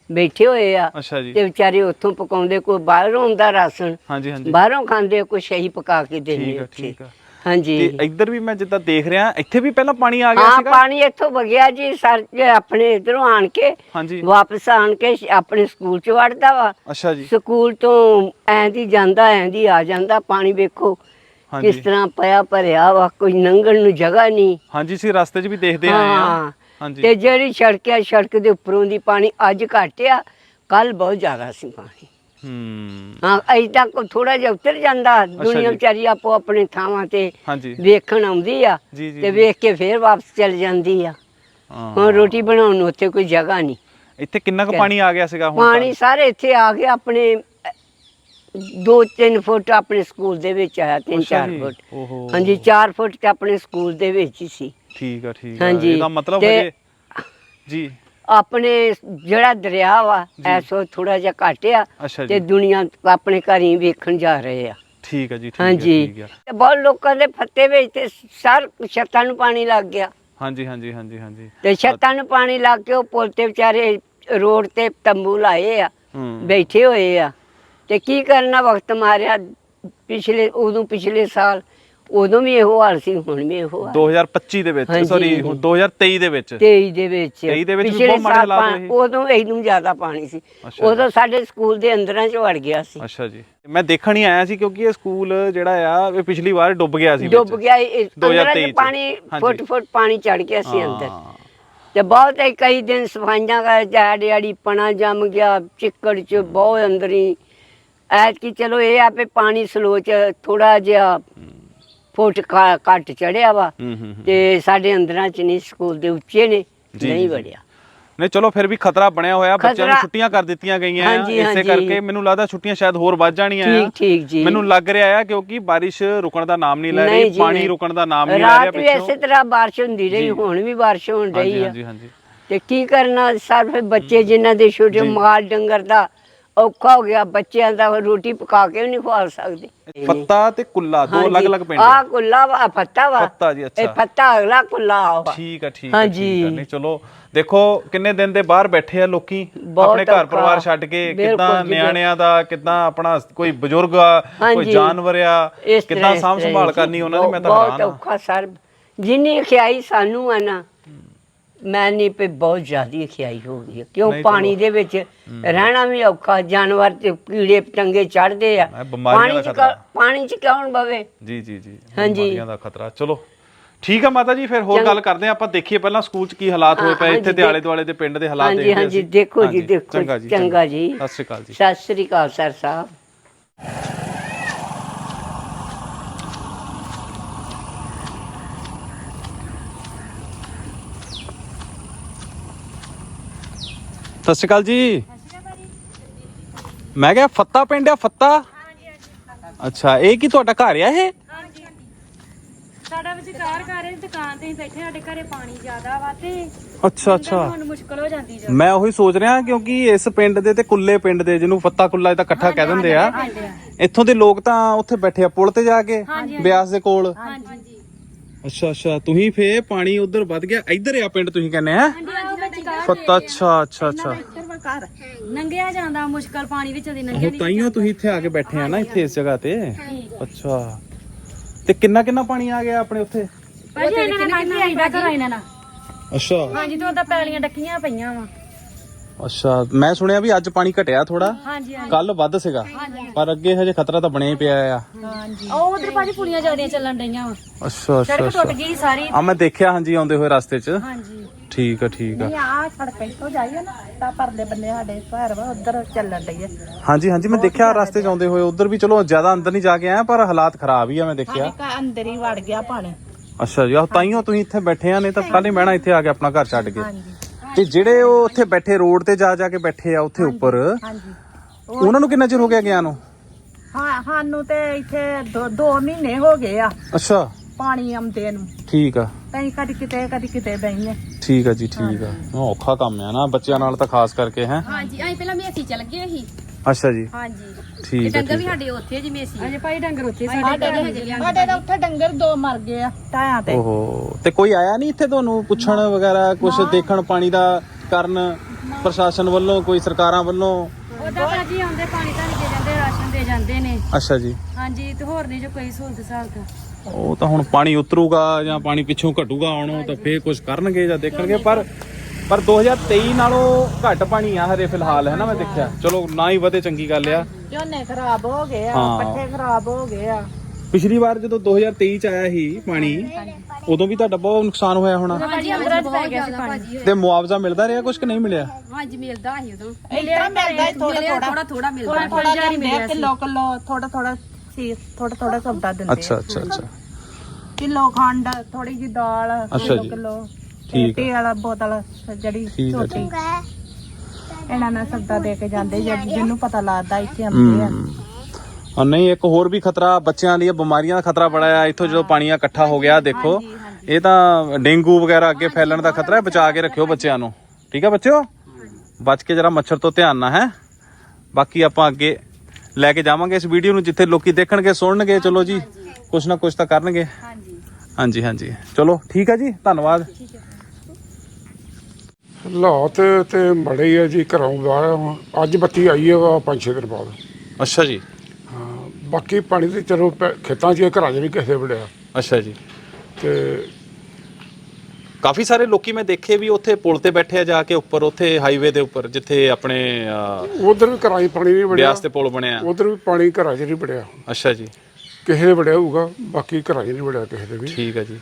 Speaker 6: ਬੈਠੇ ਹੋਏ ਆ
Speaker 1: ਅੱਛਾ ਜੀ।
Speaker 6: ਤੇ ਵਿਚਾਰੇ ਉੱਥੋਂ ਪਕਾਉਂਦੇ, ਕੋਈ ਬਾਹਰੋਂ ਆਉਂਦਾ ਰਾਸ਼ਨ,
Speaker 1: ਹਾਂਜੀ ਹਾਂਜੀ
Speaker 6: ਬਾਹਰੋਂ ਖਾਂਦੇ, ਕੁਛ ਇਹੀ ਪਕਾ ਕੇ ਦਿੰਦੇ
Speaker 1: ਠੀਕ ਆ
Speaker 6: ਉੱਥੇ।
Speaker 1: ਠੀਕ ਆ।
Speaker 6: ਹਾਂਜੀ
Speaker 1: ਤੇ ਇੱਧਰ ਵੀ ਮੈਂ ਜਿੱਦਾਂ ਦੇਖ ਰਿਹਾ ਇੱਥੇ ਵੀ ਪਹਿਲਾਂ ਪਾਣੀ ਆ ਗਿਆ
Speaker 6: ਹਾਂ,
Speaker 1: ਸੀਗਾ।
Speaker 6: ਪਾਣੀ ਇੱਥੋਂ ਵਗਿਆ ਜੀ ਸਰ ਆਪਣੇ ਇਧਰੋਂ ਆਣ ਕੇ
Speaker 1: ਹਾਂਜੀ
Speaker 6: ਵਾਪਸ ਆਣ ਕੇ ਆਪਣੇ ਸਕੂਲ ਚ ਵੜਦਾ ਵਾ।
Speaker 1: ਅੱਛਾ ਜੀ।
Speaker 6: ਸਕੂਲ ਤੋਂ ਐਂ ਦੀ ਜਾਂਦਾ ਐਂ ਦੀ ਆ ਜਾਂਦਾ। ਪਾਣੀ ਵੇਖੋ
Speaker 1: ਹਾਂਜੀ
Speaker 6: ਕਿਸ ਤਰ੍ਹਾਂ ਪਿਆ ਭਰਿਆ ਵਾ, ਕੋਈ ਲੰਘਣ ਨੂੰ ਜਗ੍ਹਾ ਨਹੀਂ।
Speaker 1: ਹਾਂਜੀ ਸੀ ਰਸਤੇ 'ਚ ਵੀ ਦੇਖਦੇ ਆਏ ਆ।
Speaker 6: ਹਾਂ
Speaker 1: ਹਾਂਜੀ
Speaker 6: ਤੇ ਜਿਹੜੀ ਸੜਕ ਆ, ਸੜਕ ਦੇ ਉੱਪਰੋਂ ਦੀ ਪਾਣੀ ਅੱਜ ਘੱਟ ਆ, ਕੱਲ ਬਹੁਤ ਜ਼ਿਆਦਾ ਸੀ ਪਾਣੀ।
Speaker 1: ਹੂੰ
Speaker 6: ਹਾਂ ਅਜੇ ਤੱਕ ਥੋੜਾ ਜਿਹਾ ਉਤਰ ਜਾਂਦਾ, ਦੁਨੀਆ
Speaker 1: ਜੀ।
Speaker 6: ਵਿਚਾਰੀ ਆਪੋ ਆਪਣੇ ਥਾਵਾਂ ਤੇ
Speaker 1: ਹਾਂਜੀ
Speaker 6: ਵੇਖਣ ਆਉਂਦੀ ਆ
Speaker 1: ਜੀ ਜੀ
Speaker 6: ਤੇ
Speaker 1: ਜੀ।
Speaker 6: ਵੇਖ ਕੇ ਫੇਰ ਵਾਪਸ ਚਲ ਜਾਂਦੀ ਆ।
Speaker 1: ਹਾਂ।
Speaker 6: ਹੁਣ ਰੋਟੀ ਬਣਾਉਣ ਨੂੰ ਉੱਥੇ ਕੋਈ ਜਗ੍ਹਾ ਨਹੀਂ।
Speaker 1: ਇੱਥੇ ਕਿੰਨਾ ਕੁ ਪਾਣੀ ਆ ਗਿਆ ਸੀਗਾ ਹੁਣ
Speaker 6: ਪਾਣੀ ਸਾਰੇ ਇੱਥੇ ਆ ਗਿਆ, ਆਪਣੇ ਦੋ ਤਿੰਨ ਫੁੱਟ ਆਪਣੇ ਸਕੂਲ ਦੇ ਵਿੱਚ ਆਇਆ, ਤਿੰਨ
Speaker 1: ਅੱਛਾ
Speaker 6: ਚਾਰ
Speaker 1: ਜੀ।
Speaker 6: ਫੁੱਟ।
Speaker 1: ਓਹੋ
Speaker 6: ਹਾਂਜੀ ਚਾਰ ਫੁੱਟ ਤੇ ਆਪਣੇ ਸਕੂਲ ਦੇ ਵਿੱਚ ਹੀ ਸੀ।
Speaker 1: ਠੀਕ ਆ ਠੀਕ ਆ।
Speaker 6: ਹਾਂਜੀ,
Speaker 1: ਇਹਦਾ ਮਤਲਬ
Speaker 6: ਤੇ-
Speaker 1: ਹਜੇ ਜੀ
Speaker 6: ਆਪਣੇ ਜਿਹੜਾ ਦਰਿਆ ਵਾ ਐਸੋ ਥੋੜਾ ਜਿਹਾ ਘੱਟ ਆ
Speaker 1: ਅੱਛਾ
Speaker 6: ਤੇ
Speaker 1: ਜੀ।
Speaker 6: ਦੁਨੀਆ ਆਪਣੇ ਘਰ ਹੀ ਵੇਖਣ ਜਾ ਰਹੇ ਆ।
Speaker 1: ਠੀਕ ਆ ਜੀ ਠੀਕ ਆ
Speaker 6: ਹਾਂਜੀ
Speaker 1: ਠੀਕ ਆ।
Speaker 6: ਤੇ ਬਹੁਤ ਲੋਕਾਂ ਦੇ ਫੱਤੇ ਵਿੱਚ ਤੇ ਸਰ ਛੱਤਾਂ ਨੂੰ ਪਾਣੀ ਲੱਗ ਗਿਆ
Speaker 1: ਹਾਂਜੀ ਹਾਂਜੀ ਹਾਂਜੀ ਹਾਂਜੀ।
Speaker 6: ਤੇ ਛੱਤਾਂ ਨੂੰ ਪਾਣੀ ਲੱਗ ਕੇ ਉਹ ਪੁਲ ਤੇ ਵਿਚਾਰੇ ਰੋਡ ਤੇ ਤੰਬੂ ਲਾਏ ਆ,
Speaker 1: ਹੂੰ
Speaker 6: ਬੈਠੇ ਹੋਏ ਆ। ਤੇ ਕੀ ਕਰਨਾ, ਵਕਤ ਮਾਰਿਆ। ਪਿਛਲੇ ਉਦੋਂ ਪਿਛਲੇ ਸਾਲ ਉਦੋਂ ਵੀ ਇਹੋ ਹਾਲ ਸੀ, ਹੁਣ ਵੀ ਇਹੋ ਹਾਲ।
Speaker 1: ਦੋ ਹਜ਼ਾਰ ਪੱਚੀ ਦੇ ਵਿੱਚ
Speaker 6: ਹਾਂਜੀ,
Speaker 1: ਸੌਰੀ
Speaker 6: ਹਾਂਜੀ।
Speaker 1: ਦੋ ਹਜ਼ਾਰ ਤੇਈ ਦੇ ਵਿੱਚ
Speaker 6: ਤੇਈ ਦੇ ਵਿੱਚ
Speaker 1: ਤੇਈ ਦੇ ਵਿੱਚ ਵੀ
Speaker 6: ਪਿਛਲੇ
Speaker 1: ਬਹੁਤ ਮਾੜੇ
Speaker 6: ਸਾਲ
Speaker 1: ਹਾਲਾਤ
Speaker 6: ਪਾ-
Speaker 1: ਹੋਏ।
Speaker 6: ਉਦੋਂ ਇਹਨੂੰ ਜ਼ਿਆਦਾ ਪਾਣੀ ਸੀ।
Speaker 1: ਅੱਛਾ
Speaker 6: ਉਦੋਂ ਸਾਡੇ ਸਕੂਲ ਦੇ ਅੰਦਰਾਂ ਚ ਵੜ ਗਿਆ ਸੀ,
Speaker 1: ਅੱਛਾ ਜੀ। ਮੈਂ ਦੇਖਣ ਹੀ ਆਇਆ ਸੀ ਕਿਉਂਕਿ ਇਹ ਸਕੂਲ ਜਿਹੜਾ ਆ ਇਹ ਪਿਛਲੀ ਵਾਰ ਡੁੱਬ ਗਿਆ ਸੀ
Speaker 6: ਡੁੱਬ
Speaker 1: ਵਿੱਚ।
Speaker 6: ਗਿਆ ਇਹ
Speaker 1: ਦੋ ਹਜ਼ਾਰ
Speaker 6: ਅੰਦਰਾਂ
Speaker 1: ਤੇਈ
Speaker 6: ਚ
Speaker 1: ਚ।
Speaker 6: ਪਾਣੀ
Speaker 1: ਹਾਂਜੀ।
Speaker 6: ਫੁੱਟ ਫੁੱਟ ਪਾਣੀ ਚੜ ਗਿਆ ਸੀ ਅੰਦਰ।
Speaker 1: ਹਾਂ।
Speaker 6: ਤੇ ਬਹੁਤ ਹੀ ਕਈ ਦਿਨ ਸਫਾਈਆਂ ਕਰ ਜਾੜੀ ਆੜੀ ਪਣਾ ਜੰਮ ਗਿਆ ਚਿੱਕੜ ਚ ਬਹੁਤ ਅੰਦਰ ਹੀ। ਐਤਕੀ ਚਲੋ ਇਹ ਆ ਵੀ ਪਾਣੀ ਸਲੋ ਚ ਥੋੜਾ ਜਿਹਾ ਫੁੱਟ ਘ- ਘੱਟ ਚੜਿਆ ਵਾ
Speaker 1: ਹੂੰ ਹੂੰ ਹੂੰ।
Speaker 6: ਤੇ ਸਾਡੇ ਅੰਦਰਾਂ ਚ ਨਹੀਂ, ਸਕੂਲ ਦੇ ਉੱਚੇ ਨੇ,
Speaker 1: ਜੀ,
Speaker 6: ਨਹੀਂ
Speaker 1: ਜੀ, ਜੀ।
Speaker 6: ਵੜਿਆ।
Speaker 1: ਨਹੀਂ ਚਲੋ ਫਿਰ ਵੀ ਖਤਰਾ ਬਣਿਆ ਹੋਇਆ, ਬੱਚਿਆਂ ਨੂੰ
Speaker 6: ਖਤਰਾ-
Speaker 1: ਛੁੱਟੀਆਂ ਕਰ ਦਿੱਤੀਆਂ ਗਈਆਂ ਆ।
Speaker 6: ਹਾਂਜੀ,
Speaker 1: ਇਸੇ
Speaker 6: ਹਾਂਜੀ।
Speaker 1: ਕਰਕੇ ਮੈਨੂੰ ਲੱਗਦਾ ਛੁੱਟੀਆਂ ਸ਼ਾਇਦ ਹੋਰ ਵੱਧ ਜਾਣੀਆਂ ਆ।
Speaker 6: ਠੀਕ ਠੀਕ ਜੀ।
Speaker 1: ਮੈਨੂੰ ਲੱਗ ਰਿਹਾ ਆ ਕਿਉਂਕਿ ਬਾਰਿਸ਼ ਰੁਕਣ ਦਾ ਨਾਮ ਨਹੀਂ ਲੈ
Speaker 6: ਨਹੀਂ
Speaker 1: ਰਹੀ,
Speaker 6: ਜੀ,
Speaker 1: ਪਾਣੀ
Speaker 6: ਨਹੀਂ।
Speaker 1: ਰੁਕਣ ਦਾ ਨਾਮ ਨਹੀਂ ਲੈ ਰਿਹਾ
Speaker 6: ਰਾਤ ਵੀ
Speaker 1: ਪਿੱਛੋਂ।
Speaker 6: ਇਸੇ ਤਰ੍ਹਾਂ ਬਾਰਿਸ਼ ਹੁੰਦੀ ਰਹੀ,
Speaker 1: ਜੀ।
Speaker 6: ਹੁਣ ਵੀ ਬਾਰਿਸ਼ ਹੋਣ
Speaker 1: ਹਾਂਜੀ
Speaker 6: ਰਹੀ ਆ।
Speaker 1: ਹਾਂਜੀ ਹਾਂਜੀ।
Speaker 6: ਤੇ ਕੀ ਕਰਨਾ ਸਰ, ਫਿਰ ਬੱਚੇ ਜਿਨ੍ਹਾਂ ਦੇ ਛੋਟੇ
Speaker 1: ਜੀ।
Speaker 6: ਮਾਲ ਡੰਗਰ ਦਾ ਔਖਾ ਹੋ ਗਿਆ, ਬੱਚਿਆਂ ਦਾ ਰੋਟੀ ਪਕਾ ਕੇ ਵੀ ਨਹੀਂ ਖਵਾ ਸਕਦੇ।
Speaker 1: ਫੱਤਾ ਤੇ ਕੁੱਲਾ ਦੋ
Speaker 6: ਹਾਂਜੀ,
Speaker 1: ਅਲੱਗ-ਅਲੱਗ ਪਿੰਡ
Speaker 6: ਆਹ
Speaker 1: ਆ।
Speaker 6: ਕੁੱਲਾ ਵਾ, ਫੱਤਾ ਵਾ।
Speaker 1: ਫੱਤਾ ਜੀ, ਅੱਛਾ।
Speaker 6: ਇਹ ਫੱਤਾ ਅਗਲਾ ਕੁੱਲਾ ਵਾ।
Speaker 1: ਠੀਕ ਆ ਠੀਕ ਆ
Speaker 6: ਹਾਂਜੀ।
Speaker 1: ਠੀਕ ਆ। ਨਹੀਂ ਚਲੋ ਦੇਖੋ ਕਿੰਨੇ ਦਿਨ ਦੇ ਬਾਹਰ ਬੈਠੇ ਆ ਲੋਕੀ
Speaker 6: ਬਹੁਤ
Speaker 1: ਆਪਣੇ ਘਰ
Speaker 6: ਔਖਾ।
Speaker 1: ਪਰਿਵਾਰ ਛੱਡ ਕੇ,
Speaker 6: ਬਿਲਕੁਲ
Speaker 1: ਕਿੱਦਾਂ
Speaker 6: ਜੀ,
Speaker 1: ਨਿਆਣਿਆਂ ਦਾ, ਕਿੱਦਾਂ ਆਪਣਾ ਕੋਈ ਬਜ਼ੁਰਗ ਆ, ਕੋਈ
Speaker 6: ਹਾਂਜੀ।
Speaker 1: ਜਾਨਵਰ ਆ,
Speaker 6: ਇਸ ਤਰ੍ਹਾਂ-
Speaker 1: ਕਿੱਦਾਂ
Speaker 6: ਇਸ
Speaker 1: ਸਾਂਭ
Speaker 6: ਤਰ੍ਹਾਂ
Speaker 1: ਸੰਭਾਲ
Speaker 6: ਜੀ।
Speaker 1: ਕਰਨੀ ਉਹਨਾਂ ਦੀ। ਮੈਂ ਤਾਂ
Speaker 6: ਬਹੁਤ
Speaker 1: ਹੈਰਾਨ ਆ।
Speaker 6: ਔਖਾ ਸਰ, ਜਿੰਨੀ ਖਿਆਈ ਸਾਨੂੰ ਆ ਨਾ, ਮੈਂ ਨਹੀਂ ਪਈ ਬਹੁਤ ਜ਼ਿਆਦਾ ਖਿਆਈ ਹੋ ਗਈ ਹੈ। ਕਿਉਂ
Speaker 1: ਨਹੀਂ
Speaker 6: ਪਾਣੀ
Speaker 1: ਚਲੋ।
Speaker 6: ਦੇ ਵਿੱਚ ਰਹਿਣਾ ਵੀ ਔਖਾ, ਜਾਨਵਰ ਤੇ ਕੀੜੇ ਪਤੰਗੇ ਚੜਦੇ ਆ।
Speaker 1: ਮੈਂ ਬਿਮਾਰੀਆਂ ਦਾ
Speaker 6: ਪਾਣੀ ਚ
Speaker 1: ਖਤਰਾ।
Speaker 6: ਕ- ਪਾਣੀ ਚ ਕੌਣ ਬਵੇ।
Speaker 1: ਜੀ ਜੀ ਜੀ
Speaker 6: ਹਾਂਜੀ।
Speaker 1: ਬਿਮਾਰੀਆਂ ਦਾ ਖਤਰਾ। ਚਲੋ ਠੀਕ ਆ ਮਾਤਾ ਜੀ, ਫਿਰ ਹੋਰ
Speaker 6: ਚੰਗ-
Speaker 1: ਗੱਲ ਕਰਦੇ ਆ ਆਪਾਂ। ਦੇਖੀਏ ਪਹਿਲਾਂ ਸਕੂਲ 'ਚ ਕੀ ਹਾਲਾਤ ਹੋਏ ਪਏ,
Speaker 6: ਹਾਂ,
Speaker 1: ਇੱਥੇ ਤੇ
Speaker 6: ਹਾਂਜੀ,
Speaker 1: ਆਲੇ ਦੁਆਲੇ ਦੇ ਪਿੰਡ ਦੇ ਹਾਲਾਤ
Speaker 6: ਹਾਂਜੀ
Speaker 1: ਦੇਖਦੇ
Speaker 6: ਹਾਂਜੀ
Speaker 1: ਅਸੀਂ।
Speaker 6: ਦੇਖੋ ਜੀ,
Speaker 1: ਹਾਂਜੀ,
Speaker 6: ਦੇਖੋ
Speaker 1: ਚੰਗਾ ਜੀ
Speaker 6: ਚੰਗਾ ਜੀ।
Speaker 1: ਸਤਿ ਸ਼੍ਰੀ ਅਕਾਲ ਜੀ।
Speaker 6: ਸਤਿ ਸ੍ਰੀ ਅਕਾਲ ਸਰ ਸਾਹਿਬ।
Speaker 1: ਸਤਿ ਸ਼੍ਰੀ ਅਕਾਲ ਜੀ। ਮੈਂ ਕਿਹਾ ਫੱਤਾ ਪਿੰਡ ਆ, ਫੱਤਾ। ਅੱਛਾ, ਇਹ ਕੀ ਤੁਹਾਡਾ ਘਰ ਆ ਇਹ?
Speaker 3: ਸਾਡਾ ਵਿਚਕਾਰ ਘਰ ਹੈ, ਦੁਕਾਨ ਤੇ ਹੀ ਬੈਠੇ, ਸਾਡੇ ਘਰੇ ਪਾਣੀ ਜ਼ਿਆਦਾ ਵਾ ਤੇ
Speaker 1: ਅੱਛਾ ਅੱਛਾ।
Speaker 3: ਹੁਣ ਮੁਸ਼ਕਲ ਹੋ ਜਾਂਦੀ ਜੀ।
Speaker 1: ਮੈਂ ਉਹੀ ਸੋਚ ਰਿਹਾ ਕਿਉਂਕਿ ਇਸ ਪਿੰਡ ਦੇ ਤੇ ਕੁੱਲੇ ਪਿੰਡ ਦੇ, ਜਿਹਨੂੰ ਫੱਤਾ ਕੁੱਲਾ ਇਹ ਤਾਂ ਇਕੱਠਾ ਕਹਿ ਦਿੰਦੇ ਆ, ਇੱਥੋਂ ਦੇ ਲੋਕ ਤਾਂ ਉੱਥੇ ਬੈਠੇ ਆ ਪੁਲ ਤੇ ਜਾ ਕੇ, ਬਿਆਸ ਦੇ ਕੋਲ।
Speaker 3: ਹਾਂਜੀ
Speaker 1: ਅੱਛਾ ਅੱਛਾ। ਤੁਸੀਂ ਫੇਰ ਪਾਣੀ ਉਧਰ ਵੱਧ ਗਿਆ, ਇੱਧਰ ਆ ਪਿੰਡ ਤੁਸੀਂ ਕਹਿੰਦੇ ਆ ਫੱਤਾ। ਅੱਛਾ ਅੱਛਾ ਅੱਛਾ।
Speaker 3: ਨੰਗਿਆ ਜਾਂਦਾ ਮੁਸ਼ਕਲ, ਪਾਣੀ ਵਿੱਚ ਦੀ
Speaker 1: ਉਹ
Speaker 3: ਨੰਗਿਆ
Speaker 1: ਤਾਈਓ ਤੁਸੀਂ ਇੱਥੇ ਆ ਕੇ ਬੈਠੇ ਆ ਨਾ, ਇੱਥੇ ਇਸ ਜਗ੍ਹਾ ਤੇ। ਅੱਛਾ, ਤੇ ਕਿੰਨਾ ਕਿੰਨਾ ਪਾਣੀ ਆ ਗਿਆ ਆਪਣੇ ਉੱਥੇ?
Speaker 3: ਭਾਜੀ ਇਹਨਾਂ ਨਾਲ ਕੰਨ ਆਈਦਾ ਘਰ ਇਹਨਾਂ ਨਾਲ।
Speaker 1: ਅੱਛਾ
Speaker 3: ਹਾਂਜੀ ਤੇ ਉਹਦਾ ਪੈਲੀਆਂ ਡੱਕੀਆਂ ਪਈਆਂ ਵਾ।
Speaker 1: ਅੱਛਾ। ਮੈਂ ਸੁਣਿਆ ਵੀ ਅੱਜ ਪਾਣੀ ਘਟਿਆ ਥੋੜਾ,
Speaker 3: ਹਾਂਜੀ ਹਾਂਜੀ
Speaker 1: ਕੱਲ ਵੱਧ ਸੀਗਾ, ਪਰ ਅੱਗੇ ਹਜੇ ਖਤਰਾ ਤਾਂ ਬਣਿਆ ਹੀ ਪਿਆ ਆ।
Speaker 3: ਹਾਂਜੀ। ਉਹ ਉਧਰ ਭਾਜੀ ਪੁਲੀਆਂ ਜ਼ਿਆਦੀਆਂ ਚੱਲਣ ਡਈਆਂ ਵਾ,
Speaker 1: ਅੱਛਾ ਅੱਛਾ
Speaker 3: ਸੜਕ
Speaker 1: ਅੱਛਾ।
Speaker 3: ਟੁੱਟ ਗਈ ਸਾਰੀ।
Speaker 1: ਆ ਮੈਂ ਦੇਖਿਆ, ਹਾਂਜੀ, ਆਉਂਦੇ ਹੋਏ ਰਸਤੇ 'ਚ।
Speaker 3: ਹਾਂਜੀ
Speaker 1: ਠੀਕ ਆ ਠੀਕ ਆ।
Speaker 7: ਆ ਸੜਕ ਇੱਥੋਂ ਜਾਈਏ ਨਾ ਤਾਂ ਪਰਲੇ ਬੰਨੇ ਸਾਡੇ ਘਰ ਵਾ, ਉਧਰ ਚੱਲਣ ਡਈ ਹੈ।
Speaker 1: ਹਾਂਜੀ ਹਾਂਜੀ, ਮੈਂ ਦੇਖਿਆ ਰਸਤੇ 'ਚ ਆਉਂਦੇ ਹੋਏ। ਉਧਰ ਵੀ ਚਲੋ ਜ਼ਿਆਦਾ ਅੰਦਰ ਨਹੀਂ ਜਾ ਕੇ ਆਇਆ, ਪਰ ਹਾਲਾਤ ਖਰਾਬ ਹੀ ਆ, ਮੈਂ ਦੇਖਿਆ।
Speaker 7: ਘਰ ਅੰਦਰ ਹੀ ਵੜ ਗਿਆ ਪਾਣੀ।
Speaker 1: ਅੱਛਾ ਜੀ, ਆਹ ਤਾਈਓ ਤੁਸੀਂ ਇੱਥੇ ਬੈਠੇ ਆ, ਨਹੀਂ ਤਾਂ ਕੱਲ ਹੀ ਬਹਿਣਾ ਇੱਥੇ ਆ ਕੇ ਆਪਣਾ ਘਰ ਛੱਡ ਕੇ।
Speaker 7: ਹਾਂਜੀ
Speaker 1: ਤੇ ਜਿਹੜੇ ਉਹ ਉੱਥੇ ਬੈਠੇ ਰੋਡ ਤੇ ਜਾ ਜਾ ਕੇ ਬੈਠੇ ਆ ਉੱਥੇ ਉੱਪਰ,
Speaker 7: ਹਾਂਜੀ।
Speaker 1: ਉਹਨਾਂ ਨੂੰ ਕਿੰਨਾ ਚਿਰ ਹੋ ਗਿਆ ਗਿਆ ਨੂੰ?
Speaker 7: ਹਾਂ ਸਾਨੂੰ ਤੇ ਇੱਥੇ ਦੋ ਦੋ ਮਹੀਨੇ ਹੋ ਗਏ ਆ
Speaker 1: ਅੱਛਾ
Speaker 7: ਪਾਣੀ ਆਉਂਦੇ ਨੂੰ।
Speaker 1: ਠੀਕ ਆ
Speaker 7: ਤੈਂ ਕਦੀ ਕਿਤੇ ਕਦੀ ਕਿਤੇ ਬੈਠੇ।
Speaker 1: ਠੀਕ ਆ ਜੀ ਠੀਕ ਆ। ਔਖਾ ਕੰਮ ਆ ਨਾ ਬੱਚਿਆਂ ਨਾਲ ਤਾਂ ਖਾਸ ਕਰਕੇ ਹੈ।
Speaker 3: ਹਾਂਜੀ ਅਸੀਂ ਪਹਿਲਾਂ ਮੇਸੀ ਚੱਲ ਗਏ ਸੀ।
Speaker 1: ਅੱਛਾ ਜੀ
Speaker 3: ਹਾਂਜੀ
Speaker 1: ਠੀਕ ਆ
Speaker 3: ਡੰਗਰ ਵੀ
Speaker 1: ਠੀਕ ਆ।
Speaker 3: ਸਾਡੇ ਉੱਥੇ ਜੀ ਮੇਸੀ। ਅਜੇ ਭਾਈ ਡੰਗਰ ਉੱਥੇ
Speaker 7: ਸਾਡੇ ਸਾਡੇ ਤਾਂ ਉੱਥੇ ਡੰਗਰ ਦੋ ਮਰ ਗਏ ਆ ਟਾਇਆਂ ਤੇ।
Speaker 1: ਓਹੋ, ਤੇ ਕੋਈ ਆਇਆ ਨਹੀਂ ਇੱਥੇ ਤੁਹਾਨੂੰ ਪੁੱਛਣ ਵਗੈਰਾ ਕੁਝ ਦੇਖਣ ਪਾਣੀ ਦਾ ਕਰਨ? ਪ੍ਰਸ਼ਾਸਨ ਵੱਲੋਂ, ਕੋਈ ਸਰਕਾਰਾਂ ਵੱਲੋਂ?
Speaker 3: ਉਹਦਾ ਭਾਜੀ ਆਉਂਦੇ ਪਾਣੀ ਤਾਂ ਦੇ ਜਾਂਦੇ, ਰਾਸ਼ਨ ਦੇ ਜਾਂਦੇ ਨੇ।
Speaker 1: ਅੱਛਾ ਜੀ।
Speaker 3: ਹਾਂਜੀ, ਤੇ ਹੋਰ ਨਹੀਂ ਜੋ ਕੋਈ ਸਹੂਲਤ ਸਾਲਤ।
Speaker 1: ਉਹ ਤਾਂ ਹੁਣ ਪਾਣੀ ਉਤਰੂਗਾ ਜਾਂ ਪਾਣੀ ਪਿੱਛੋਂ ਘਟੂਗਾ ਆਉਣੋਂ ਤਾਂ ਫੇਰ ਕੁਝ ਕਰਨਗੇ ਜਾਂ ਦੇਖਣਗੇ, ਪਰ ਪਰ ਦੋ ਹਜ਼ਾਰ ਤੇਈ ਨਾਲੋਂ ਘੱਟ ਪਾਣੀ ਆ ਹਰੇ ਫਿਲਹਾਲ, ਹੈ ਨਾ? ਮੈਂ ਦੇਖਿਆ, ਚਲੋ ਨਾ ਹੀ ਵਧੇ ਚੰਗੀ ਗੱਲ ਆ।
Speaker 7: ਝੋਨੇ ਖਰਾਬ ਹੋ ਗਏ ਆ,
Speaker 1: ਹਾਂ।
Speaker 7: ਪੱਠੇ ਖਰਾਬ ਹੋ ਗਏ ਆ।
Speaker 1: ਪਿਛਲੀ ਵਾਰ ਜਦੋਂ ਦੋ ਹਜ਼ਾਰ ਤੇਈ ਚ ਆਇਆ ਸੀ ਪਾਣੀ, ਉਦੋਂ ਵੀ ਤੁਹਾਡਾ ਬਹੁਤ ਨੁਕਸਾਨ ਹੋਇਆ ਹੋਣਾ
Speaker 3: ਭਾਜੀ ਅੰਦਰਾਂ ਚ ਪੈ ਗਿਆ ਸੀ ਪਾਣੀ।
Speaker 1: ਤੇ ਮੁਆਵਜ਼ਾ ਮਿਲਦਾ ਰਿਹਾ ਕੁਝ ਕਿ ਨਹੀਂ ਮਿਲਿਆ?
Speaker 3: ਹਾਂਜੀ ਮਿਲਦਾ ਸੀ ਉਦੋਂ,
Speaker 7: ਇਤਨਾ ਮਿਲਦਾ ਥੋੜਾ ਥੋੜਾ
Speaker 3: ਥੋੜਾ ਮਿਲਦਾ,
Speaker 7: ਥੋੜਾ ਥੋੜਾ ਦਿੰਦੇ, ਕਿਲੋ ਕਿਲੋ ਥੋੜਾ ਥੋੜਾ ਸੀ, ਥੋੜਾ ਥੋੜਾ ਸੌਦਾ ਦਿੰਦੇ।
Speaker 1: ਅੱਛਾ ਅੱਛਾ ਅੱਛਾ
Speaker 7: ਕਿਲੋ ਖੰਡ, ਥੋੜੀ ਜੀ ਦਾਲ,
Speaker 1: ਅੱਛਾ
Speaker 7: ਕਿਲੋ
Speaker 1: ਜੀ।
Speaker 7: ਕਿਲੋ
Speaker 1: ਠੀਕ
Speaker 7: ਟੀ ਵਾਲਾ ਬੋਤਲ ਜਿਹੜੀ
Speaker 1: ਠੀਕ ਹੈ
Speaker 7: ਛੋਟੀ, ਇਹਨਾਂ ਨਾਲ ਸੌਦਾ ਦੇ ਕੇ ਜਾਂਦੇ ਜਦ ਜਿਹਨੂੰ ਪਤਾ ਲੱਗਦਾ ਇੱਥੇ ਆਉਂਦੇ ਆ।
Speaker 1: ਹਾਂ, ਨਹੀਂ ਇੱਕ ਹੋਰ ਵੀ ਖਤਰਾ ਬੱਚਿਆਂ ਲਈ, ਬਿਮਾਰੀਆਂ ਦਾ ਖਤਰਾ ਬੜਾ ਆ ਇੱਥੋਂ ਜਦੋਂ ਪਾਣੀ ਇਕੱਠਾ ਹੋ ਗਿਆ। ਦੇਖੋ ਇਹ ਤਾਂ ਡੇਂਗੂ ਵਗੈਰਾ ਅੱਗੇ ਫੈਲਣ ਦਾ ਖਤਰਾ ਹੈ, ਬਚਾ ਕੇ ਰੱਖਿਓ ਬੱਚਿਆਂ ਨੂੰ, ਠੀਕ ਹੈ ਬੱਚਿਓ? ਬਚ ਕੇ ਜਰਾ ਮੱਛਰ ਤੋਂ ਧਿਆਨ ਨਾਲ, ਹੈ। ਬਾਕੀ ਆਪਾਂ ਅੱਗੇ ਲੈ ਕੇ ਜਾਵਾਂਗੇ ਇਸ ਵੀਡੀਓ ਨੂੰ, ਜਿੱਥੇ ਲੋਕੀ ਦੇਖਣਗੇ, ਸੁਣਨਗੇ, ਚਲੋ ਜੀ ਕੁਛ ਨਾ ਕੁਛ ਤਾਂ ਕਰਨਗੇ। ਹਾਂਜੀ ਹਾਂਜੀ, ਚਲੋ ਠੀਕ ਹੈ ਜੀ, ਧੰਨਵਾਦ।
Speaker 8: ਹਾਲਾਤ ਤੇ ਬੜੇ ਹੀ ਆ ਜੀ, ਘਰੋਂ ਬਾਹਰ ਅੱਜ ਬੱਤੀ ਆਈ ਹੈ ਪੰਜ ਛੇ ਦਿਨ ਬਾਅਦ।
Speaker 1: ਅੱਛਾ ਜੀ।
Speaker 8: ਹਾਂ, ਬਾਕੀ ਪਾਣੀ ਤੇ ਚਲੋ ਪੈ- ਖੇਤਾਂ 'ਚ, ਘਰਾਂ 'ਚ ਨਹੀਂ ਕਿਸੇ ਵੜਿਆ।
Speaker 1: ਅੱਛਾ ਜੀ।
Speaker 8: ਤੇ
Speaker 1: ਕਾਫੀ ਸਾਰੇ ਲੋਕੀ ਮੈਂ ਦੇਖੇ ਵੀ ਉੱਥੇ ਪੁਲ ਤੇ ਬੈਠੇ ਆ ਜਾ ਕੇ ਉੱਪਰ, ਉੱਥੇ ਹਾਈਵੇ ਦੇ ਉੱਪਰ, ਜਿੱਥੇ ਆਪਣੇ
Speaker 8: ਉਧਰ ਵੀ ਘਰਾਂ 'ਚ ਪਾਣੀ ਨਹੀਂ ਵੜਿਆ,
Speaker 1: ਬਿਆਸ ਤੇ ਪੁਲ ਬਣਿਆ।
Speaker 8: ਉਧਰ ਵੀ ਪਾਣੀ ਘਰਾਂ 'ਚ ਨਹੀਂ ਵੜਿਆ।
Speaker 1: ਅੱਛਾ ਜੀ।
Speaker 8: ਕਿਸੇ ਦੇ ਵੜਿਆ ਹੋਊਗਾ, ਬਾਕੀ ਘਰਾਂ 'ਚ ਨਹੀਂ ਵੜਿਆ ਕਿਸੇ ਦੇ ਵੀ।
Speaker 1: ਠੀਕ ਹੈ ਜੀ।